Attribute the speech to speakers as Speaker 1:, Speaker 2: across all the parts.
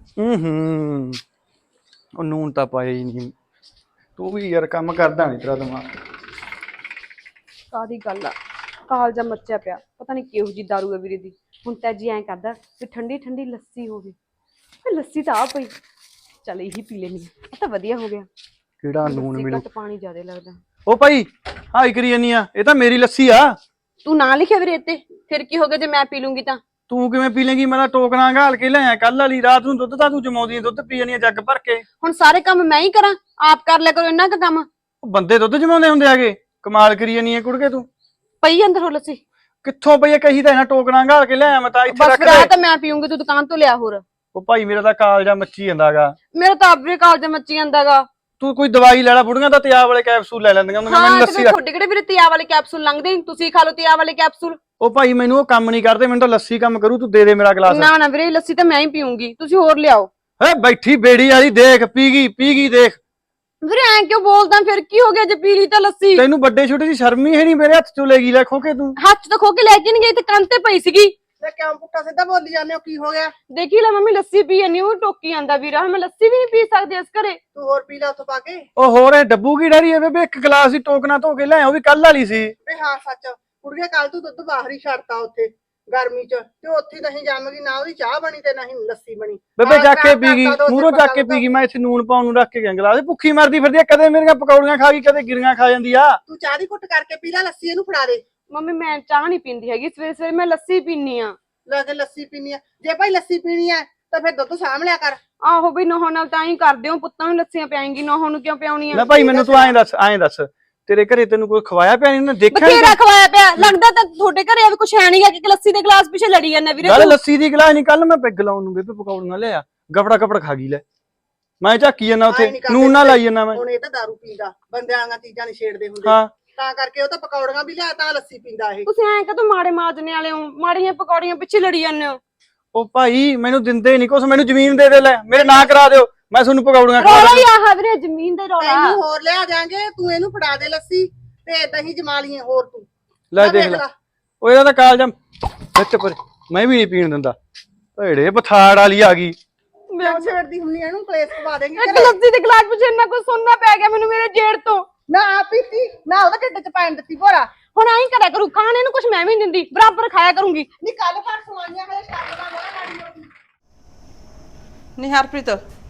Speaker 1: ਹੂੰ ਉਹ ਨੂਨ ਤਾਂ ਪਾਇਆ ਹੀ ਨਹੀਂ। ਤੂੰ ਵੀ ਯਾਰ ਕੰਮ ਕਰਦਾ ਨਹੀਂ ਤੇਰਾ ਦਿਮਾਗ।
Speaker 2: ਕਾਦੀ ਗੱਲ ਆ, ਕਾਲਜਾ ਮੱਚਿਆ ਪਿਆ। ਪਤਾ ਨਹੀਂ ਕਿਹੋ ਜੀ ਦਾਰੂ ਹੈ ਵੀਰੇ ਦੀ। ਹੁਣ ਤਾਂ ਜੀ ਐਂ ਕਰਦਾ ਵੀ ਠੰਡੀ ਠੰਡੀ ਲੱਸੀ ਹੋਵੇ। ਲੱਸੀ ਤਾਂ ਆ ਪਈ, ਚੱਲ ਇਹੀ ਪੀ ਲੈਣੀ ਆ ਤਾਂ ਵਧੀਆ ਹੋ ਗਿਆ।
Speaker 1: ਕਿਹੜਾ ਨੂਨ
Speaker 2: ਲੱਸੀ
Speaker 1: ਮਿਲੂ?
Speaker 2: ਘੱਟ ਪਾਣੀ ਜ਼ਿਆਦਾ ਲੱਗਦਾ।
Speaker 1: ਉਹ ਭਾਈ ਹਾਈ ਕਰੀ ਜਾਨੀ ਆ, ਇਹ ਤਾਂ ਮੇਰੀ ਲੱਸੀ ਆ।
Speaker 2: ਤੂੰ ਨਾ ਲਿਖਿਆ ਵੀਰੇ ਇੱਥੇ, ਫਿਰ ਕੀ ਹੋ ਗਿਆ ਜੇ ਮੈਂ ਪੀ ਲੂੰਗੀ ਤਾਂ?
Speaker 1: ਤੂੰ ਕਿਵੇਂ ਪੀ ਲੇਂਗੀ? ਮੈਂ ਤਾਂ ਟੋਕਣਾ ਘਾਲ ਕੇ ਲਿਆਇਆ ਕੱਲ ਵਾਲੀ ਰਾਤ ਨੂੰ। ਦੁੱਧ ਤਾਂ ਤੂੰ ਜਮਾਉਂਦੀ ਆ, ਦੁੱਧ ਪੀ ਜਾਨੀ ਆ ਜੱਗ ਭਰ ਕੇ।
Speaker 2: ਹੁਣ ਸਾਰੇ ਕੰਮ ਮੈਂ ਹੀ ਕਰਾਂ? ਆਪ ਕਰ ਲਿਆ ਕਰੋ ਇੰਨਾ ਕੁ ਕੰਮ।
Speaker 1: ਉਹ ਬੰਦੇ ਦੁੱਧ ਜਮਾਉਂਦੇ ਹੁੰਦੇ ਆਗੇ? ਕਮਾਲ ਕਰੀ ਜਾਨੀ ਆ ਕੁੜਕੇ ਤੂੰ।
Speaker 2: ਪਈ ਅੰਦਰ ਹੋ ਲੱਸੀ।
Speaker 1: ਕਿੱਥੋਂ ਪਈ ਆ? ਕਹੀ ਤਾਂ ਇਹਨਾਂ ਟੋਕਣਾ ਘਾਲ ਕੇ ਲਿਆਇਆ ਮੈਂ ਤਾਂ ਇੱਥੇ
Speaker 2: ਬਸ
Speaker 1: ਰੱਖ
Speaker 2: ਫਿਰ ਆ
Speaker 1: ਦੇ।
Speaker 2: ਤਾਂ ਮੈਂ ਪੀਉਂਗੀ, ਤੂੰ ਦੁਕਾਨ ਤੋਂ ਲਿਆ ਹੋਰ।
Speaker 1: ਉਹ ਭਾਈ ਮੇਰਾ ਤਾਂ ਕਾਲਜਾ ਮੱਚੀ ਜਾਂਦਾਗਾ।
Speaker 2: ਮੇਰਾ ਤਾਂ ਆਪਰੇ ਕਾਲਜਾ ਮੱਚੀ ਜਾਂਦਾਗਾ।
Speaker 1: ਤੂੰ ਕੋਈ ਦਵਾਈ ਲੈ ਲੈ, ਬੁੜੀਆਂ ਤਾਂ ਤਿਆਬ ਵਾਲੇ ਕੈਪਸੂਲ ਲੈ ਲੈਂਦੀਆਂ ਹੁੰਦੀਆਂ। ਮੈਨੂੰ
Speaker 2: ਹਾਂ
Speaker 1: ਲੱਸੀ
Speaker 2: ਤੇ ਤੁਹਾਡੇ ਕਿਹੜੇ ਵੀਰੇ ਤਿਆ ਵਾਲੇ ਕੈਪਸੂਲ ਲੰਘਦੇ ਨੀ? ਤੁਸੀਂ ਖਾ ਲਓ ਤਿਆ ਵਾਲੇ ਕੈਪਸੂਲ।
Speaker 1: ਉਹ ਭਾਈ ਮੈਨੂੰ ਉਹ ਕੰਮ ਨਹੀਂ ਕਰਦੇ, ਮੈਨੂੰ ਤਾਂ ਲੱਸੀ ਕੰਮ ਕਰੂ। ਤੂੰ ਦੇ ਦੇ ਮੇਰਾ ਗਲਾਸ।
Speaker 2: ਨਾ ਨਾ ਵੀਰੇ, ਲੱਸੀ ਤਾਂ ਮੈਂ ਹੀ ਪੀਉਂਗੀ, ਤੁਸੀਂ ਹੋਰ ਲਿਆਓ।
Speaker 1: ਹੈ ਬੈਠੀ ਬੇੜੀ ਵਾਲੀ ਦੇਖ, ਪੀ ਗਈ ਦੇਖ।
Speaker 2: ਵੀਰੇ ਐਂ ਕਿਉਂ ਬੋਲਦਾ? ਫਿਰ ਕੀ ਹੋ ਗਿਆ ਜੇ ਪੀ ਲਈ ਤਾਂ ਲੱਸੀ?
Speaker 1: ਤੈਨੂੰ ਵੱਡੇ ਛੋਟੇ ਦੀ ਸ਼ਰਮ ਹੀ ਹੈ ਨਹੀਂ? ਮੇਰੇ ਹੱਥ ਚੋਂ ਲੈ ਗਈ ਲੈ ਖੋ ਕੇ ਤੂੰ।
Speaker 2: ਹੱਥ ਤੋਂ ਖੋ ਕੇ ਲੈ ਕੇ ਨਹੀਂ ਗਈ, ਤੇ ਕੰਨ ਤੇ ਪਈ ਸੀਗੀ।
Speaker 3: ਤੇ ਕਿਉਂ ਪੁੱਠਾ ਸਿੱਧਾ ਬੋਲੀ ਜਾਂਦੇ ਹੋ? ਕੀ ਹੋ ਗਿਆ?
Speaker 2: ਦੇਖੀ ਲੈ ਮੰਮੀ, ਲੱਸੀ ਪੀ ਜਾਂਦੀ ਉਹ ਟੋਕੀ ਜਾਂਦਾ ਵੀਰਾ। ਮੈਂ ਲੱਸੀ ਵੀ ਨਹੀਂ ਪੀ ਸਕਦੀ ਇਸ ਘਰੇ।
Speaker 3: ਤੂੰ ਹੋਰ ਪੀ ਲੈ ਉੱਥੋਂ ਪਾ ਕੇ।
Speaker 1: ਉਹ ਹੋਰ ਇਹ ਡੱਬੂ ਕੀ ਡਰੀ ਹੈ ਬੇਬੇ? ਇੱਕ ਗਲਾਸ ਹੀ ਟੋਕਣਾ ਧੋ ਕੇ ਲੈ, ਉਹ ਵੀ ਕੱਲ ਵਾਲੀ ਸੀ।
Speaker 3: ਵੇ ਹਾਂ ਸੱਚ, ਕੁੜੀਏ ਕੱਲ ਤੂੰ ਦੁੱਧ ਬਾਹਰ ਹੀ ਛੱਡਤਾ ਉੱਥੇ ਗਰਮੀ ਚ, ਤੇ ਉੱਥੇ ਨਹੀਂ ਜੰਮ ਗਈ, ਨਾ ਉਹਦੀ ਚਾਹ ਬਣੀ ਤੇ ਨਾ ਹੀ ਲੱਸੀ ਬਣੀ।
Speaker 1: ਬੇਬੇ ਚੱਕ ਕੇ ਪੀ ਗਈ, ਮੂਹਰੋਂ ਚੱਕ ਕੇ ਪੀ ਗਈ। ਮੈਂ ਇੱਥੇ ਨੂਨ ਪਾਉਣ ਨੂੰ ਰੱਖ ਕੇ ਗਿਆ ਗਲਾਸ। ਭੁੱਖੀ ਮਰਦੀ ਫਿਰਦੀ ਆ, ਕਦੇ ਮੇਰੀਆਂ ਪਕੌੜੀਆਂ ਖਾ ਗਈ, ਕਦੇ ਗਿਰੀਆਂ ਖਾ ਜਾਂਦੀ ਆ।
Speaker 3: ਤੂੰ ਚਾਹ ਦੀ ਘੁੱਟ ਕਰਕੇ ਪੀ ਲੈ, ਲੱਸੀ ਇਹਨੂੰ ਫੜਾ ਦੇ।
Speaker 2: ਮੰਮੀ ਮੈਂ ਚਾਹ ਨਹੀਂ ਪੀਂਦੀ ਹੈਗੀ, ਸਵੇਰੇ ਸਵੇਰੇ ਮੈਂ ਲੱਸੀ ਪੀਨੀ ਆ।
Speaker 3: ਲੈ ਕੇ ਲੱਸੀ ਪੀਣੀ ਆ? ਜੇ ਭਾਈ ਲੱਸੀ ਪੀਣੀ ਆ ਤਾਂ ਫਿਰ ਦੁੱਧ ਸਾਂਭ ਲਿਆ ਕਰ।
Speaker 2: ਆਹੋ ਬਈ, ਨੋਹਾਂ ਨਾਲ ਤਾਂ ਹੀ ਕਰਦੇ ਹੋ, ਪੁੱਤਾਂ ਨੂੰ ਲੱਸੀਆਂ ਪਿਆਏਂਗੀ, ਨੋਹਾਂ ਨੂੰ ਕਿਉਂ ਪਿਆਉਣੀ
Speaker 1: ਲੈ
Speaker 2: ਆ?
Speaker 1: ਭਾਈ ਮੈਨੂੰ ਤੂੰ ਐਂ ਦੱਸ ਤੇਰੇ ਘਰੇ ਤੈਨੂੰ ਕੋਈ ਖਵਾਇਆ ਪਿਆ ਨਹੀਂ? ਦੇਖਿਆ
Speaker 2: ਬਥੇਰਾ ਖਵਾਇਆ ਪਿਆ। ਲੱਗਦਾ ਤਾਂ ਤੁਹਾਡੇ ਘਰੇ ਵੀ ਕੁਛ ਹੈ ਨਹੀਂ ਹੈ ਕਿ ਲੱਸੀ ਦੇ ਗਲਾਸ ਪਿੱਛੇ ਲੜੀ ਜਾਂਦਾ ਵੀਰੇ।
Speaker 1: ਗੱਲ ਲੱਸੀ ਦੀ ਗਲਾਸ ਨਹੀਂ, ਕੱਲ ਮੈਂ ਪੈਗ ਲਾਉਣ ਨੂੰ ਬੇਬੇ ਪਕੌੜੀਆਂ ਲਿਆ, ਗਫੜਾ ਖਾ ਗਈ ਲੈ। ਮੈਂ ਝਾਕੀ ਜਾਂਦਾ ਉੱਥੇ, ਨੂਨ ਨਾਲ ਲਾਈ ਜਾਂਦਾ ਮੈਂ।
Speaker 3: ਹੁਣ ਇਹ ਤਾਂ ਦਾਰੂ ਪੀਂਦਾ, ਬੰਦਿਆਂ ਵਾਲੀਆਂ ਚੀਜ਼ਾਂ ਨਹੀਂ ਛੇੜਦੇ ਹੁੰਦੇ।
Speaker 1: ਹਾਂ
Speaker 3: ਤਾਂ ਕਰਕੇ ਉਹ ਤਾਂ ਪਕੌੜੀਆਂ ਵੀ ਲਿਆ, ਤਾਂ ਲੱਸੀ ਪੀਂਦਾ ਇਹ।
Speaker 2: ਤੁਸੀਂ ਐਂ ਕਦੋਂ ਮਾੜੇ ਮਾਜਨੇ ਵਾਲੇ ਹੋ? ਮਾੜੀਆਂ ਪਕੌੜੀਆਂ ਪਿੱਛੇ ਲੜੀ ਜਾਂਦੇ ਹੋ।
Speaker 1: ਉਹ ਭਾਈ ਮੈਨੂੰ ਦਿੰਦੇ ਨਹੀਂ ਕੁਛ, ਮੈਨੂੰ ਜ਼ਮੀਨ ਦੇ ਦੇ ਲੈ, ਮੇਰੇ ਨਾਂ ਕਰਾ ਦਿਓ, ਮੈਂ ਤੁਹਾਨੂੰ ਪਕੌੜੀਆਂ ਖਵਾ
Speaker 2: ਰੌਲਾ ਹੀ
Speaker 1: ਦਿੰਦਾ।
Speaker 2: ਆਹ ਵੀਰੇ, ਜ਼ਮੀਨ ਦਾ ਰੌਲਾ।
Speaker 3: ਤੈਨੂੰ ਹੋਰ ਲਿਆ ਜਾਾਂਗੇ, ਤੂੰ ਇਹਨੂੰ ਫੜਾ ਦੇ ਲੱਸੀ ਤੇ ਦਹੀਂ ਜਮਾ ਲਈਏ ਹੋਰ ਤੂੰ।
Speaker 1: ਲੈ ਦੇਖ ਲੈ, ਉਹ ਇਹਦਾ ਤਾਂ ਕਾਲਜਾ ਵਿੱਚ ਪਰ ਮੈਂ ਵੀ ਨਹੀਂ ਪੀਣ ਦਿੰਦਾ। ਭੇੜੇ ਪਥਾੜ ਵਾਲੀ ਆ ਗਈ।
Speaker 3: ਕਿਉਂ ਛੇੜਦੀ ਹੁੰਨੀ ਇਹਨੂੰ? ਕਲੇਸ਼ ਪਵਾ ਦੇਂਗੀ
Speaker 2: ਇੱਕ ਲੱਸੀ ਦੇ ਗਲਾਸ ਪਿੱਛੇ ਇੰਨਾ ਕੁਝ ਸੁਣਨਾ ਪੈ ਗਿਆ ਮੈਨੂੰ ਮੇਰੇ ਜੇੜ ਤੋਂ।
Speaker 3: ਨਾ ਆ ਪੀਤੀ ਨਾ ਉਹਦੇ ਢਿੱਡ ਚ ਪੈਣ ਦਿੱਤੀ ਭੋਰਾ।
Speaker 2: ਹੁਣ ਆਈ ਕਰਿਆ ਕਰੂ, ਖਾਣ ਇਹਨੂੰ ਕੁਝ ਮੈਂ ਵੀ ਨਹੀਂ ਦਿੰਦੀ, ਬਰਾਬਰ ਖਾਇਆ ਕਰੂੰਗੀ।
Speaker 3: ਨੀ ਕੱਲ ਫੜ ਸਵਾਈਆਂ ਹਲੇ ਛੱਡ ਲਾ ਮੇਰਾ ਗਾੜੀ।
Speaker 4: ਨੀ ਹਰਪ੍ਰੀਤ,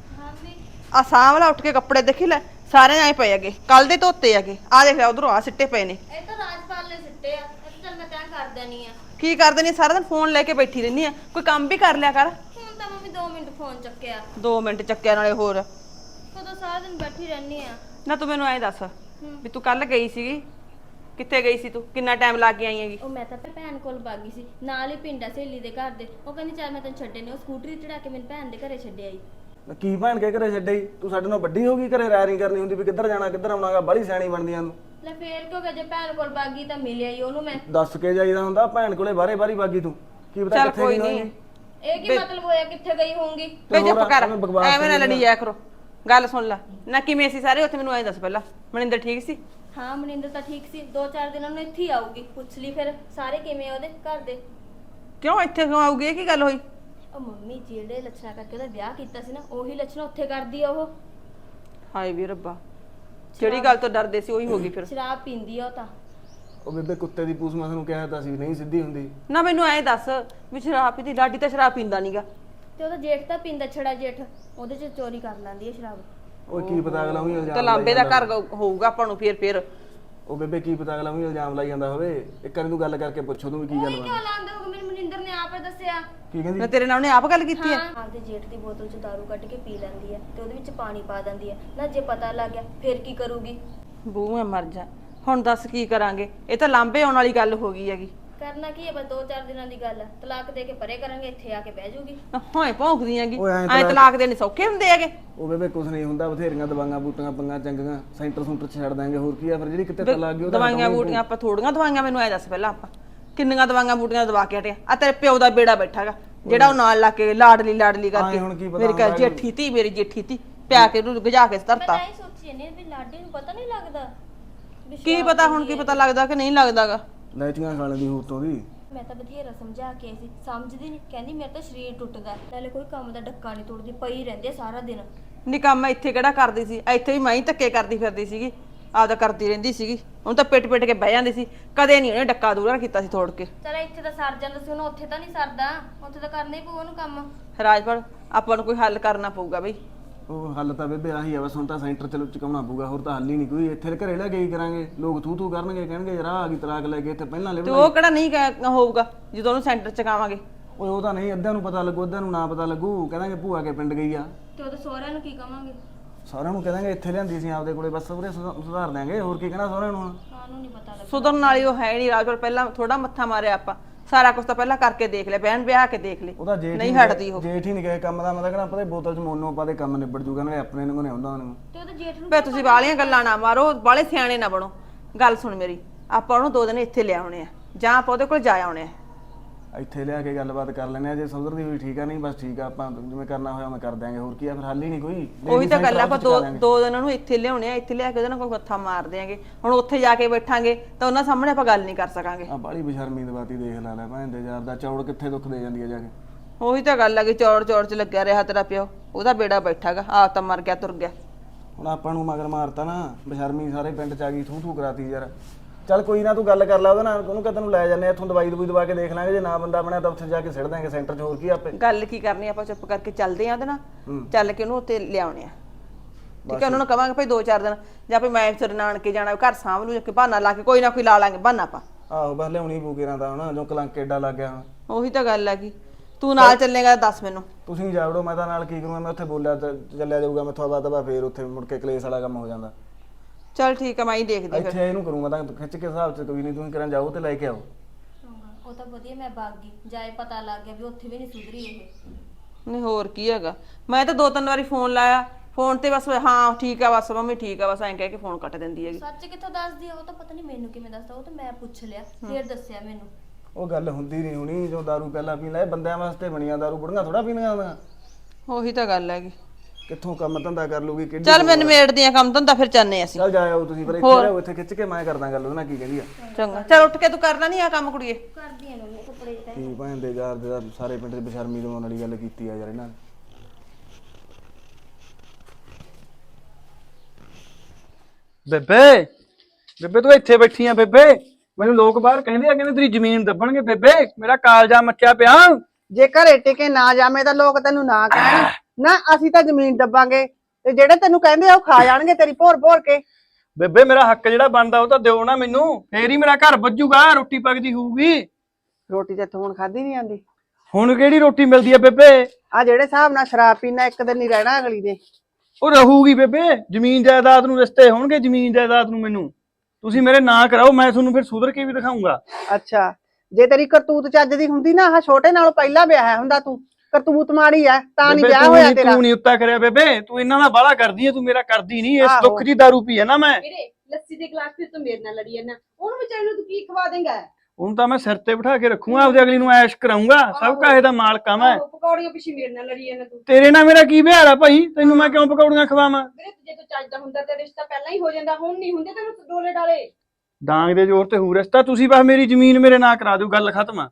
Speaker 4: ਆ ਸਾਹਮਣੇ ਉੱਠ ਕੇ ਕੱਪੜੇ ਦੇਖੀ ਲੈ, ਸਾਰੇ ਐ ਪਏ ਹੈਗੇ, ਕੱਲ ਦੇ ਧੋਤੇ ਹੈਗੇ। ਆ ਦੇਖ ਲੈ ਉਧਰੋਂ ਆ ਸਿੱਟੇ ਪਏ ਨੇ।
Speaker 5: ਇਹ ਤਾਂ ਰਾਜਪਾਲ ਨੇ ਸਿੱਟੇ ਆ। ਇਹ ਤਾਂ ਚੱਲ ਮੈਂ ਤੈਨੂੰ ਕਰ ਦੇਣੀ ਆ।
Speaker 4: ਕੀ ਕਰਦੇ ਨੇ? ਸਾਰਾ ਦਿਨ ਫੋਨ ਲੈ ਕੇ ਬੈਠੀ ਰਹਿੰਦੀ ਆ, ਕੋਈ ਕੰਮ ਵੀ ਕਰ ਲਿਆ ਕਰ।
Speaker 5: ਹੁਣ ਤਾਂ ਮੰਮੀ 2 ਮਿੰਟ ਫੋਨ ਚੱਕਿਆ।
Speaker 4: 2 ਮਿੰਟ ਚੱਕਿਆ ਨਾਲੇ ਹੋਰ।
Speaker 5: ਕਦੋਂ ਸਾਰਾ ਦਿਨ ਬੈਠੀ ਰਹਿਣੀ ਆ।
Speaker 4: ਨਾ ਤੂੰ ਮੈਨੂੰ ਐ ਦੱਸ ਵੀ ਤੂੰ ਕੱਲ ਗਈ ਸੀਗੀ, ਕਿੱਥੇ ਗਈ ਸੀ ਤੂੰ? ਕਿੰਨਾ ਟਾਈਮ ਲਾ ਕੇ ਆਈ ਹੈਗੀ?
Speaker 5: ਉਹ ਮੈਂ ਤਾਂ ਭੈਣ ਕੋਲ ਬਾਗੀ ਸੀ, ਨਾਲ ਹੀ ਪਿੰਡਾ ਸਹੇਲੀ ਦੇ ਘਰ ਦੇ। ਉਹ ਕਹਿੰਦੀ ਚੱਲ ਮੈਂ ਤੈਨੂੰ ਛੱਡੇ ਨੇ। ਉਹ ਸਕੂਟਰੀ ਚੜਾ ਕੇ ਮੈਨੂੰ ਭੈਣ ਦੇ ਘਰੇ ਛੱਡ ਆਈ।
Speaker 6: ਕੀ ਭੈਣ ਕੇ ਘਰੇ ਛੱਡਈ? ਤੂੰ ਸਾਡੇ ਨਾਲ ਵੱਡੀ ਹੋ ਗਈ, ਘਰੇ ਰਾਇਰਿੰਗ ਕਰਨੀ ਹੁੰਦੀ ਵੀ ਕਿੱਧਰ ਜਾਣਾ ਕਿੱਧਰ ਆਉਣਾਗਾ। ਬਾਹਲੀ ਸਿਆਣੀ ਬਣਦੀਆਂ ਤੂੰ।
Speaker 5: ਲੈ ਫੇਰ ਕਿਉਂ ਗਿਆ? ਜੇ ਭੈਣ ਕੋਲ ਬਾਗੀ ਤਾਂ ਮਿਲ ਆਈ ਉਹਨੂੰ ਮੈਂ।
Speaker 6: ਦੱਸ ਕੇ ਜਾਈਦਾ ਹੁੰਦਾ, ਭੈਣ ਕੋਲੇ ਬਾਰੇ ਬਾਰੀ ਬਾਗੀ ਤੂੰ। ਕੀ ਪਤਾ
Speaker 4: ਚੱਲ
Speaker 6: ਕਿੱਥੇ
Speaker 4: ਕੋਈ
Speaker 6: ਗਈ
Speaker 4: ਨਹੀਂ।
Speaker 6: ਹੋਏਗੀ।
Speaker 5: ਇਹ ਕੀ ਮਤਲਬ ਹੋਇਆ ਕਿੱਥੇ ਗਈ ਹੋਊਗੀ?
Speaker 4: ਬੇ ਚੁੱਪ ਕਰ,
Speaker 6: ਐਵੇਂ ਬਕਵਾਸ
Speaker 4: ਐਵੇਂ ਨਾ
Speaker 6: ਕਰੀ
Speaker 4: ਲੜੀ ਜਾਇਆ ਕਰੋ। ਗੱਲ ਸੁਣ ਲੈ ਨਾ, ਕਿਵੇਂ ਸੀ ਸਾਰੇ ਉੱਥੇ? ਮੈਨੂੰ ਐ ਦੱਸ ਪਹਿਲਾਂ, ਮਨਿੰਦਰ ਠੀਕ ਸੀ?
Speaker 5: ਹਾਂ ਮਨਿੰਦਰ ਤਾਂ ਠੀਕ ਸੀ। 2-4 ਦਿਨਾਂ ਨੂੰ ਇੱਥੇ ਹੀ ਆਊਗੀ। ਪੁੱਛ ਲਈ ਫਿਰ ਸਾਰੇ ਕਿਵੇਂ ਆ ਉਹਦੇ ਘਰ ਦੇ।
Speaker 4: ਕਿਉਂ ਇੱਥੇ ਕਿਉਂ ਆਊਗੀ? ਇਹ ਕੀ ਗੱਲ ਹੋਈ?
Speaker 5: ਉਹ ਮੰਮੀ ਜਿਹੜੇ ਲੱਛਣਾ ਕਰਕੇ ਉਹਦਾ ਵਿਆਹ ਕੀਤਾ ਸੀ ਨਾ, ਉਹੀ ਲੱਛਣਾ ਉੱਥੇ ਕਰਦੀ ਆ ਉਹ।
Speaker 4: ਹਾਏ ਵੀ ਰੱਬਾ, ਜਿਹੜੀ ਗੱਲ ਤੋਂ ਡਰਦੇ ਸੀ ਉਹੀ ਹੋ ਗਈ ਫਿਰ।
Speaker 5: ਸ਼ਰਾਬ ਪੀਂਦੀ ਆ ਉਹ ਤਾਂ।
Speaker 6: ਉਹ ਬੇਬੇ ਕੁੱਤੇ ਦੀ ਪੂਛ ਮੈਂ ਤੁਹਾਨੂੰ ਕਿਹਾ ਤਾਂ ਸੀ ਨਹੀਂ ਸਿੱਧੀ ਹੁੰਦੀ।
Speaker 4: ਨਾ ਮੈਨੂੰ ਐ ਦੱਸ ਵੀ ਸ਼ਰਾਬ ਪੀਂਦੀ? ਲਾਡੀ ਤਾਂ ਸ਼ਰਾਬ ਪੀਂਦਾ ਨਹੀਂਗਾ।
Speaker 5: ਤੇ ਉਹਦਾ ਜੇਠ ਤਾਂ ਪੀਂਦਾ, ਛੜਾ ਜੇਠ, ਉਹਦੇ ਚ ਚੋਰੀ ਕਰ ਲੈਂਦੀ ਹੈ ਸ਼ਰਾਬ।
Speaker 6: ਉਹ ਕੀ ਪਤਾ ਅਗਲਾ ਉਹੀ ਇਲਜ਼ਾਮ
Speaker 4: ਤੇ ਲਾਂਬੇ ਦਾ ਘਰ ਹੋਊਗਾ ਆਪਾਂ ਨੂੰ ਫੇਰ।
Speaker 6: ਉਹ ਬੇਬੇ ਕੀ ਪਤਾ ਅਗਲਾ ਉਹੀ ਇਲਜ਼ਾਮ ਲਾਈ ਜਾਂਦਾ ਹੋਵੇ। ਇੱਕ ਵਾਰੀ ਤੂੰ ਗੱਲ ਕਰਕੇ ਪੁੱਛੋ ਤੂੰ ਵੀ ਕੀ ਗੱਲ
Speaker 5: ਕਿਉਂ ਲਾਂਦੇ ਹੋ? ਮੈਨੂੰ ਮਨਿੰਦਰ ਨੇ ਆਪੇ ਦੱਸਿਆ।
Speaker 6: ਕੀ ਕਹਿੰਦੀ?
Speaker 4: ਨਾ ਤੇਰੇ ਨਾਲ ਉਹਨੇ ਆਪ ਗੱਲ ਕੀਤੀ ਹੈ?
Speaker 5: ਹਾਂ, ਆਪਦੇ ਜੇਠ ਦੀ ਬੋਤਲ ਚ ਦਾਰੂ ਕੱਢ ਕੇ ਪੀ ਲੈਂਦੀ ਹੈ ਤੇ ਉਹਦੇ ਵਿੱਚ ਪਾਣੀ ਪਾ ਦਿੰਦੀ ਹੈ ਨਾ। ਜੇ ਪਤਾ ਲੱਗ ਗਿਆ ਫੇਰ ਕੀ ਕਰੂਗੀ?
Speaker 4: ਬੂ ਮੈਂ ਮਰ ਜਾ। ਹੁਣ ਦੱਸ ਕੀ ਕਰਾਂਗੇ? ਇਹ ਤਾਂ ਲਾਂਬੇ ਆਉਣ ਵਾਲੀ ਗੱਲ ਹੋ ਗਈ ਹੈਗੀ।
Speaker 5: ਕਰਨਾ ਕੀ ਹੈ? ਬਸ 2-4 ਦਿਨਾਂ ਦੀ ਗੱਲ ਹੈ। ਤਲਾਕ ਦੇ ਕੇ ਪਰੇ ਕਰਾਂਗੇ, ਇੱਥੇ ਆ ਕੇ ਬਹਿ ਜਾਊਗੀ।
Speaker 4: ਹੋਏ ਭੌਂਕਦੀ ਹੈਗੀ।
Speaker 6: ਓਏ ਐਂ
Speaker 4: ਐ ਤਲਾਕ ਦੇਣੇ ਸੌਖੇ ਹੁੰਦੇ ਹੈਗੇ?
Speaker 6: ਉਹ ਬੇਬੇ ਕੁਛ ਨਹੀਂ ਹੁੰਦਾ, ਬਥੇਰੀਆਂ ਦਵਾਈਆਂ ਬੂਟੀਆਂ ਪੰਗਾ ਚੰਗੀਆਂ ਸੈਂਟਰ ਸੂੰਟਰ ਚ ਛੱਡ ਦਾਂਗੇ। ਹੋਰ ਕੀ ਆ ਫਿਰ? ਜਿਹੜੀ ਕਿਤੇ ਤਾਂ ਲੱਗ ਗਈ ਉਹ
Speaker 4: ਦਵਾਈਆਂ ਬੂਟੀਆਂ ਆਪਾਂ ਥੋੜੀਆਂ ਦਵਾਈਆਂ। ਮੈਨੂੰ ਐ ਦੱਸ ਪਹਿਲਾਂ, ਆਪਾਂ ਕਿੰਨੀਆਂ ਦਵਾਈਆਂ ਬੂਟੀਆਂ ਦਵਾ ਕੇ ਹਟਿਆ? ਆ ਤੇਰੇ ਪਿਓ ਦਾ ਬੇੜਾ ਬੈਠਾਗਾ, ਜਿਹੜਾ ਉਹ ਨਾਲ ਲਾ ਕੇ ਲਾਡਲੀ ਕਰਕੇ
Speaker 6: ਹੁਣ ਕੀ ਪਤਾ
Speaker 4: ਮੇਰੀ ਕਹ ਜੇਠੀ ਧੀ, ਮੇਰੀ ਜੇਠੀ ਧੀ ਪਿਆ ਕੇ ਨੂੰ ਗਜਾ ਕੇ
Speaker 5: ਮੈਂ
Speaker 4: ਧਰਤਾ।
Speaker 5: ਤਾਂ ਇਹ ਸੋਚੀ ਜਾਂਦੀ ਹਾਂ ਵੀ ਲਾਡੀ ਨੂੰ ਪਤਾ ਨਹੀਂ ਲੱਗਦਾ ਵੀ
Speaker 4: ਕੀ
Speaker 5: ਸ਼ਰਾਬ
Speaker 4: ਪਤਾ ਹੁਣ, ਕੀ ਪਤਾ ਲੱਗਦਾ ਕਿ ਨਹੀਂ ਲੱਗਦਾਗਾ?
Speaker 6: ਲੈਚੀਆਂ ਖਾ ਲੈਂਦੀ ਹੋਰ ਤੋਂ ਦੀ।
Speaker 5: ਮੈਂ ਤਾਂ ਬਥੇਰਾ ਸਮਝਾ ਕੇ ਆਈ ਸੀ, ਸਮਝਦੀ ਨਹੀਂ। ਕਹਿੰਦੀ ਮੇਰਾ ਤਾਂ ਸਰੀਰ ਟੁੱਟਦਾ, ਨਾਲੇ ਕੋਈ ਕੰਮ ਦਾ ਡੱਕਾ ਨਹੀਂ ਤੋੜਦੀ, ਪਈ ਰਹਿੰਦੀ ਆ ਸਾਰਾ ਦਿਨ।
Speaker 4: ਨੀ ਕੰਮ ਇੱਥੇ ਕਿਹੜਾ ਕਰਦੀ ਸੀ, ਇੱਥੇ ਵੀ ਮੈਂ ਹੀ ਧੱਕੇ ਕਰਦੀ ਫਿਰਦੀ ਸੀਗੀ, ਆਪਦਾ ਕਰਦੀ ਰਹਿੰਦੀ ਸੀਗੀ। ਹੁਣ ਤਾਂ ਪਿੱਟ ਕੇ ਬਹਿ ਜਾਂਦੀ ਸੀ, ਕਦੇ ਨਹੀਂ ਉਹਨੇ ਡੱਕਾ ਦੂਰਾ ਕੀਤਾ ਸੀ ਤੋੜ ਕੇ।
Speaker 5: ਚਲ ਇੱਥੇ ਤਾਂ ਸਰ ਜਾਂਦਾ ਸੀ, ਉਹਨੂੰ ਉੱਥੇ ਤਾਂ ਨਹੀਂ ਸਰਦਾ, ਉੱਥੇ ਤਾਂ ਕਰਨਾ ਹੀ ਪਊ ਉਹਨੂੰ ਕੰਮ।
Speaker 4: ਰਾਜਪਾਲ ਆਪਾਂ ਨੂੰ ਕੋਈ ਹੱਲ ਕਰਨਾ ਪਊਗਾ ਬਈ।
Speaker 6: ਉਹ ਹੱਲ ਤਾਂ ਬੇਬੇ ਆਹੀ ਆ, ਬਸ ਹੁਣ ਤਾਂ ਸੈਂਟਰ ਚਲੋ ਚੁਕਾਉਣਾ ਪਊਗਾ, ਹੋਰ ਤਾਂ ਹੱਲ ਹੀ ਨਹੀਂ ਕੋਈ। ਇੱਥੇ ਘਰੇ ਲੈ ਕੇ ਹੀ ਕਰਾਂਗੇ, ਲੋਕ ਥੂ ਥੂ ਕਰਨਗੇ, ਕਹਿਣਗੇ ਯਾਰ ਆ ਗਈ ਤਲਾਕ ਲੈ ਕੇ ਇੱਥੇ ਪਹਿਲਾਂ ਲੈ
Speaker 4: ਤੇ ਉਹ ਕਿਹੜਾ ਨਹੀਂ ਹੋਊਗਾ ਜਦੋਂ ਉਹਨੂੰ ਸੈਂਟਰ ਚਕਾਵਾਂਗੇ।
Speaker 6: ਓਏ ਉਹ ਤਾਂ ਨਹੀਂ, ਅੱਧਿਆਂ ਨੂੰ ਪਤਾ ਲੱਗੂ ਅੱਧਿਆਂ ਨੂੰ ਨਾ ਪਤਾ ਲੱਗੂ, ਕਹਿੰਦਾਂਗੇ ਭੂਆ ਕੇ ਪਿੰਡ ਗਈ ਆ।
Speaker 5: ਤੇ ਉਹਦੇ ਸਹੁਰਿਆਂ ਨੂੰ ਕੀ ਕਵਾਂਗੇ?
Speaker 6: ਸਾਰਿਆਂ ਨੂੰ ਕਹਿੰਦਾਂਗੇ ਇੱਥੇ ਲਿਆਂਦੀ ਸੀ ਆਪਦੇ ਕੋਲੇ, ਬਸ ਉਹਰੇ ਸੁਧਾਰ ਦਿਆਂਗੇ, ਹੋਰ ਕੀ ਕਹਿਣਾ ਸਾਰਿਆਂ ਨੂੰ।
Speaker 5: ਸਾਨੂੰ ਨਹੀਂ ਪਤਾ ਲੱਗਦਾ।
Speaker 4: ਸੁਧਰਨ ਵਾਲੀ ਉਹ ਹੈ ਨਹੀਂ ਰਾਜਪਾਲ, ਪਹਿਲਾਂ ਥੋੜਾ ਮੱਥਾ ਮਾਰਿਆ ਆਪਾਂ, ਸਾਰਾ ਕੁਝ ਤਾਂ ਪਹਿਲਾਂ ਕਰਕੇ ਦੇਖ ਲਿਆ, ਬਹਿਣ ਵਿਆਹ ਕੇ ਦੇਖ ਲਈ,
Speaker 6: ਉਹਦਾ ਜੇਠ
Speaker 4: ਨਹੀਂ ਹਟਦੀ ਉਹ।
Speaker 6: ਜੇਠ ਹੀ ਨਹੀਂ ਕਹੇ ਕੰਮ ਦਾ, ਮੈਂ ਤਾਂ ਕਹਿੰਦਾ ਪਤਾ ਬੋਤਲ ਚ ਮੋਨੋ ਪਾ ਦੇ ਕੰਮ ਨਿਬੜ ਜੂਗਾ, ਨਾਲੇ ਆਪਣੇ ਨੂੰ ਨਹੀਂ ਆਉਂਦਾ ਉਹਨੂੰ।
Speaker 5: ਤੇ ਉਹਦੇ ਜੇਠ ਨੂੰ
Speaker 4: ਬੇ ਤੁਸੀਂ ਬਾਲੀਆਂ ਗੱਲਾਂ ਨਾ ਮਾਰੋ, ਬਾਲੇ ਸਿਆਣੇ ਨਾ ਬਣੋ। ਗੱਲ ਸੁਣ ਮੇਰੀ, ਆਪਾਂ ਉਹਨੂੰ 2 ਦਿਨ ਇੱਥੇ ਲਿਆਉਣੇ ਆ, ਜਾਂ ਆਪਾਂ ਉਹਦੇ ਕੋਲ ਜਾ ਆਉਣੇ ਆ।
Speaker 6: ਇੱਥੇ ਲਿਆ ਕੇ ਗੱਲਬਾਤ ਕਰ ਲੈਣੇ ਆ, ਜੇ ਸੁਧਰਦੀ ਹੋਈ ਠੀਕ ਆ, ਨਹੀਂ ਬਸ ਠੀਕ ਆ, ਆਪਾਂ ਜਿਵੇਂ ਕਰਨਾ ਹੋਇਆ ਮੈਂ ਕਰ ਦਿਆਂਗੇ, ਹੋਰ ਕੀ ਆ, ਫਿਰ ਹੱਲ ਹੀ ਨਹੀਂ ਕੋਈ।
Speaker 4: ਉਹੀ ਤਾਂ ਗੱਲ ਆ, ਆਪਾਂ 2 ਦਿਨਾਂ ਨੂੰ ਇੱਥੇ ਲਿਆਉਣੇ ਆ, ਇੱਥੇ ਲਿਆ ਕੇ ਉਹਦੇ ਨਾਲ ਕੋਈ ਮੱਥਾ ਮਾਰ ਦਿਆਂਗੇ। ਹੁਣ ਉੱਥੇ ਜਾ ਕੇ ਬੈਠਾਂਗੇ ਤਾਂ ਉਹਨਾਂ ਸਾਹਮਣੇ ਆਪਾਂ ਗੱਲ ਨਹੀਂ ਕਰ ਸਕਾਂਗੇ।
Speaker 6: ਆ ਬਾਲੀ ਬਸ਼ਰਮੀ ਦੀ ਬਾਤੀ ਦੇਖ ਲੈ ਭੈਣ ਦੇ ਯਾਰ ਦਾ ਚੌੜ ਕਿੱਥੇ ਦੁੱਖ ਦੇ ਜਾਂਦੀ ਆ ਜਾ ਕੇ।
Speaker 4: ਉਹੀ ਤਾਂ ਗੱਲ ਆ ਕਿ ਚੌੜ ਚ ਲੱਗਿਆ ਰਿਹਾ ਤੇਰਾ ਪਿਓ, ਉਹਦਾ ਬੇੜਾ ਬੈਠਾਗਾ, ਆਪ ਤਾਂ ਮਰ ਗਿਆ ਤੁਰ ਗਿਆ।
Speaker 6: ਹੁਣ ਆਪਾਂ ਨੂੰ ਮਗਰ ਮਾਰਤਾ ਨਾ, ਬਸ਼ਰਮੀ ਸਾਰੇ ਪਿੰਡ ਚ ਆ ਗਈ, ਥੂ ਥੂ ਕਰਾਤੀ ਯਾਰ। ਚੱਲ ਕੋਈ ਨਾ, ਤੂੰ ਗੱਲ ਕਰ ਲੈ ਉਹਦੇ ਨਾਲ, ਉਹਨੂੰ ਕਹ ਤੈਨੂੰ ਲੈ ਜਾਂਦੇ ਇੱਥੋਂ, ਦਵਾਈ ਦਵਾ ਕੇ ਦੇਖ ਲਾਂਗੇ, ਜੇ ਨਾ ਬੰਦਾ ਬਣਿਆ ਤਾਂ ਉੱਥੇ ਜਾ ਕੇ ਸਿੱਟ ਦਾਂਗੇ ਸੈਂਟਰ 'ਚ, ਹੋਰ ਕੀ ਆਪੇ।
Speaker 4: ਗੱਲ ਕੀ ਕਰਨੀ, ਆਪਾਂ ਚੁੱਪ ਕਰਕੇ ਚੱਲਦੇ ਆਂ ਉਹਦੇ ਨਾਲ, ਚੱਲ ਕੇ ਉਹਨੂੰ ਉੱਤੇ ਲਿਆਉਣੇ ਆ। ਠੀਕ ਹੈ, ਉਹਨਾਂ ਨੂੰ ਕਵਾਂਗੇ ਭਾਈ 2-4 ਦਿਨ, ਜਾਂ ਭਾਈ ਮੈਂ ਤੇਰੇ ਨਾਨਕੇ ਜਾਣਾ, ਘਰ ਸਾਂਭ ਲੂ, ਜਾਂ ਕਿ ਬਹਾਨਾ ਲਾ ਕੇ ਕੋਈ ਨਾ ਕੋਈ ਲਾ ਲਾਂਗੇ ਬਹਾਨਾ ਆਪਾਂ।
Speaker 6: ਆਹੋ ਬਸ ਲਿਆਉਣੀ ਪਊ ਕਿਰਾਂ ਦਾ ਹੁਣ, ਜੋ ਕਲੰਕ ਏਡਾ ਲੱਗ ਗਿਆ ਹੁਣ।
Speaker 4: ਉਹੀ ਤਾਂ ਗੱਲ ਹੈਗੀ, ਤੂੰ ਨਾਲ ਚੱਲੇਗਾ ਦੱਸ ਮੈਨੂੰ।
Speaker 6: ਤੁਸੀਂ ਜਾ ਵੜੋ, ਮੈਂ ਤਾਂ ਨਾਲ ਕੀ ਕਰੂੰਗਾ, ਮੈਂ ਉੱਥੇ ਬੋਲਿਆ ਚੱਲਿਆ ਜਾਊਗਾ ਮੈਥੋਂ ਬਾਅਦ ਫੇਰ ਉੱਥੇ ਮੁੜ ਕੇ ਕਲੇਸ਼ ਵਾਲਾ ਕੰਮ ਹੋ ਜਾਂਦਾ।
Speaker 4: ਚੱਲ ਠੀਕ ਆ, ਮੈਂ ਹੀ ਦੇਖਦੀ ਫਿਰ।
Speaker 6: ਇੱਥੇ ਇਹਨੂੰ ਕਰੂੰਗਾ ਤਾਂ ਖਿੱਚ ਕੇ ਹਿਸਾਬ 'ਚ, ਕੋਈ ਨਹੀਂ ਤੁਸੀਂ ਕਰਨ ਜਾਓ ਤੇ ਲੈ ਕੇ ਆਓ।
Speaker 5: ਉਹ ਤਾਂ ਵਧੀਆ, ਮੈਂ ਭੱਗ ਗਈ, ਜਾਏ ਪਤਾ ਲੱਗ ਗਿਆ ਵੀ ਉੱਥੇ ਵੀ ਨਹੀਂ ਸੁਧਰੀ ਇਹ।
Speaker 4: ਨਹੀਂ ਹੋਰ ਕੀ ਹੈਗਾ, ਮੈਂ ਤਾਂ 2-3 ਵਾਰੀ ਫੋਨ ਲਾਇਆ, ਫੋਨ ਤੇ ਬਸ ਹਾਂ ਠੀਕ ਆ, ਬਸ ਮੰਮੀ ਠੀਕ ਆ, ਬਸ ਐਂ ਕਹਿ ਕੇ ਫੋਨ ਕੱਟ ਦਿੰਦੀ ਹੈਗੀ।
Speaker 5: ਸੱਚ ਕਿੱਥੋਂ ਦੱਸਦੀ ਆ, ਉਹ ਤਾਂ ਪਤਾ ਨਹੀਂ ਮੈਨੂੰ ਕਿਵੇਂ ਦੱਸਦਾ, ਉਹ ਤਾਂ ਮੈਂ ਪੁੱਛ ਲਿਆ ਫੇਰ ਦੱਸਿਆ ਮੈਨੂੰ।
Speaker 6: ਉਹ ਗੱਲ ਹੁੰਦੀ ਨਹੀਂ ਹੋਣੀ, ਜੋ ਦਾਰੂ ਪਹਿਲਾਂ ਪੀਣ ਲੈ, ਬੰਦਿਆਂ ਵਾਸਤੇ ਬਣੀਆਂ ਦਾਰੂ, ਬੁੜੀਆਂ ਥੋੜਾ ਪੀਣੀਆਂ ਹੁੰਦੀਆਂ।
Speaker 4: ਉਹੀ ਤਾਂ ਗੱਲ ਹੈਗੀ,
Speaker 6: ਕਿੱਥੋਂ ਕੰਮ ਧੰਦਾ ਕਰ ਲੂਗੀ ਕਿੱਡੀ।
Speaker 4: ਚੱਲ ਮੈਂ ਨਿਮੇੜਦੀ ਆ ਕੰਮ ਧੰਦਾ, ਫਿਰ ਜਾਂਦੇ ਅਸੀਂ।
Speaker 6: ਚੱਲ ਜਾਇਓ ਤੁਸੀਂ, ਪਰ ਇੱਥੇ ਰਹੋ, ਇੱਥੇ ਖਿੱਚ ਕੇ ਮੈਂ ਕਰਦਾ ਗੱਲ ਉਹਦੇ ਨਾਲ, ਕੀ ਕਹਿੰਦੀ ਆ।
Speaker 4: ਚੰਗਾ, ਚੱਲ ਉੱਠ ਕੇ ਤੂੰ ਕਰਨਾ ਨਹੀਂ ਆ ਕੰਮ ਕੁੜੀਏ।
Speaker 5: ਕਰਦੀ ਆ ਨਾ ਕੱਪੜੇ ਤਾਂ।
Speaker 6: ਕੀ ਭੈਣ ਦੇ ਯਾਰ ਦੇ ਸਾਰੇ ਪਿੰਡ 'ਚ ਬਸ਼ਰਮੀ ਦਵਾਉਣ ਵਾਲੀ ਗੱਲ ਕੀਤੀ ਆ ਯਾਰ ਇਹਨਾਂ ਨੇ।
Speaker 1: ਬੇਬੇ ਬੇਬੇ ਤੂੰ ਇੱਥੇ ਬੈਠੀ ਆ ਬੇਬੇ, ਮੈਨੂੰ ਲੋਕ ਬਾਹਰ ਕਹਿੰਦੇ ਆ, ਕਹਿੰਦੇ ਤੇਰੀ ਜ਼ਮੀਨ ਦੱਬਣਗੇ ਬੇਬੇ, ਮੇਰਾ ਕਾਲਜਾ ਮੱਚਿਆ ਪਿਆ।
Speaker 3: ਜੇ ਘਰੇ ਟਿਕੇ ਨਾ ਜਾਵੇਂ ਤਾਂ ਲੋਕ ਤੈਨੂੰ ਨਾ ਕਹਿਣ ਨਾ, ਅਸੀਂ ਤਾਂ ਜ਼ਮੀਨ ਦੱਬਾਂਗੇ, ਤੇ ਜਿਹੜੇ ਤੈਨੂੰ ਕਹਿੰਦੇ ਆ ਉਹ ਖਾ ਜਾਣਗੇ ਤੇਰੀ ਭੋਰ ਕੇ।
Speaker 1: ਬੇਬੇ ਮੇਰਾ ਹੱਕ ਜਿਹੜਾ ਬਣਦਾ ਉਹ ਤਾਂ ਦਿਓ ਨਾ ਮੈਨੂੰ, ਫੇਰ ਹੀ ਮੇਰਾ ਘਰ ਵੱਜੂਗਾ, ਰੋਟੀ ਪੱਕਦੀ ਹੋਊਗੀ।
Speaker 3: ਰੋਟੀ ਤੇ ਹੁਣ ਖਾਧੀ ਨਹੀਂ ਜਾਂਦੀ।
Speaker 1: ਹੁਣ ਕਿਹੜੀ ਰੋਟੀ ਮਿਲਦੀ ਆ ਬੇਬੇ?
Speaker 3: ਆ ਜਿਹੜੇ ਹਿਸਾਬ ਨਾਲ ਸ਼ਰਾਬ ਪੀਣਾ, ਇੱਕ ਦਿਨ ਨਹੀਂ ਰਹਿਣਾ ਅਗਲੀ ਨੇ।
Speaker 1: ਉਹ ਰਹੂਗੀ ਬੇਬੇ, ਜ਼ਮੀਨ ਜਾਇਦਾਦ ਨੂੰ ਰਿਸ਼ਤੇ ਹੋਣਗੇ, ਜ਼ਮੀਨ ਜਾਇਦਾਦ ਨੂੰ ਮੈਨੂੰ ਤੁਸੀਂ ਮੇਰੇ ਨਾਂ ਕਰਾਓ, ਮੈਂ ਤੁਹਾਨੂੰ ਫਿਰ ਸੁਧਰ ਕੇ ਵੀ ਦਿਖਾਊਂਗਾ।
Speaker 3: ਅੱਛਾ, ਜੇ ਤੇਰੀ ਕਰਤੂਤ ਚੱਜ ਦੀ ਹੁੰਦੀ ਨਾ, ਆਹ ਛੋਟੇ ਨਾਲੋਂ ਪਹਿਲਾਂ ਵਿਆਹ ਹੁੰਦਾ, ਤੂੰ ਕਰਤੂਤ ਮਾੜੀ ਆ ਤਾਂ ਨਹੀਂ ਵਿਆਹ ਹੋਇਆ ਤੇਰਾ।
Speaker 1: ਤੂੰ ਨਹੀਂ ਉੱਤਾ ਕਰਿਆ ਬੇਬੇ, ਤੂੰ ਇਹਨਾਂ ਦਾ ਬਾਹਲਾ ਕਰਦੀ ਐ, ਤੂੰ ਮੇਰਾ ਕਰਦੀ ਨਹੀਂ। ਇਸ ਦੁੱਖ ਦੀ ਦਾਰੂ ਪੀ ਹੈ ਨਾ ਮੈਂ।
Speaker 2: ਵੀਰੇ ਲੱਸੀ ਦੇ ਗਲਾਸ ਵਿੱਚ ਤੂੰ ਮੇਰੇ ਨਾਲ ਲੜੀ ਜਾਂਦਾ, ਉਹਨੂੰ ਵਿਚਾਰੇ ਨੂੰ ਤੂੰ ਕੀ ਖਵਾ ਦੇਂਗਾ?
Speaker 1: ਉਹਨੂੰ ਤਾਂ ਮੈਂ ਸਿਰ ਤੇ ਬਿਠਾ ਕੇ ਰੱਖੂੰਗਾ, ਆਪਦੇ ਅਗਲੀ ਨੂੰ ਐਸ਼ ਕਰਾਉਂਗਾ, ਸਭ ਕਾਹੇ ਦਾ ਮਾਲਕ ਆ ਮੈਂ।
Speaker 2: ਪਕੌੜੀਆਂ ਪਿੱਛੇ ਮੇਰੇ ਨਾਲ ਲੜੀ ਜਾਂਦਾ ਤੂੰ।
Speaker 1: ਤੇਰੇ ਨਾਲ ਮੇਰਾ ਕੀ ਵਿਹਾਰ ਆ ਭਾਈ, ਤੈਨੂੰ ਮੈਂ ਕਿਉਂ ਪਕੌੜੀਆਂ ਖਵਾਵਾਂ?
Speaker 2: ਵੀਰੇ ਜੇ ਤੂੰ ਚੱਜਦਾ ਹੁੰਦਾ ਤੇ ਰਿਸ਼ਤਾ ਪਹਿਲਾਂ ਹੀ ਹੋ ਜਾਂਦਾ, ਹੁਣ ਨਹੀਂ ਹੁੰਦੇ ਤੈਨੂੰ ਡੋਲੇ ਡਾਲੇ।
Speaker 1: ਡਾਂਗ ਦੇ ਜ਼ੋਰ ਤੇ ਹੋ ਰਿਸ਼ਤਾ, ਤੁਸੀਂ ਬਸ ਮੇਰੀ ਜ਼ਮੀਨ ਮੇਰੇ ਨਾਂ ਕਰਾ ਦਿਓ, ਗੱਲ ਖਤਮ ਆ।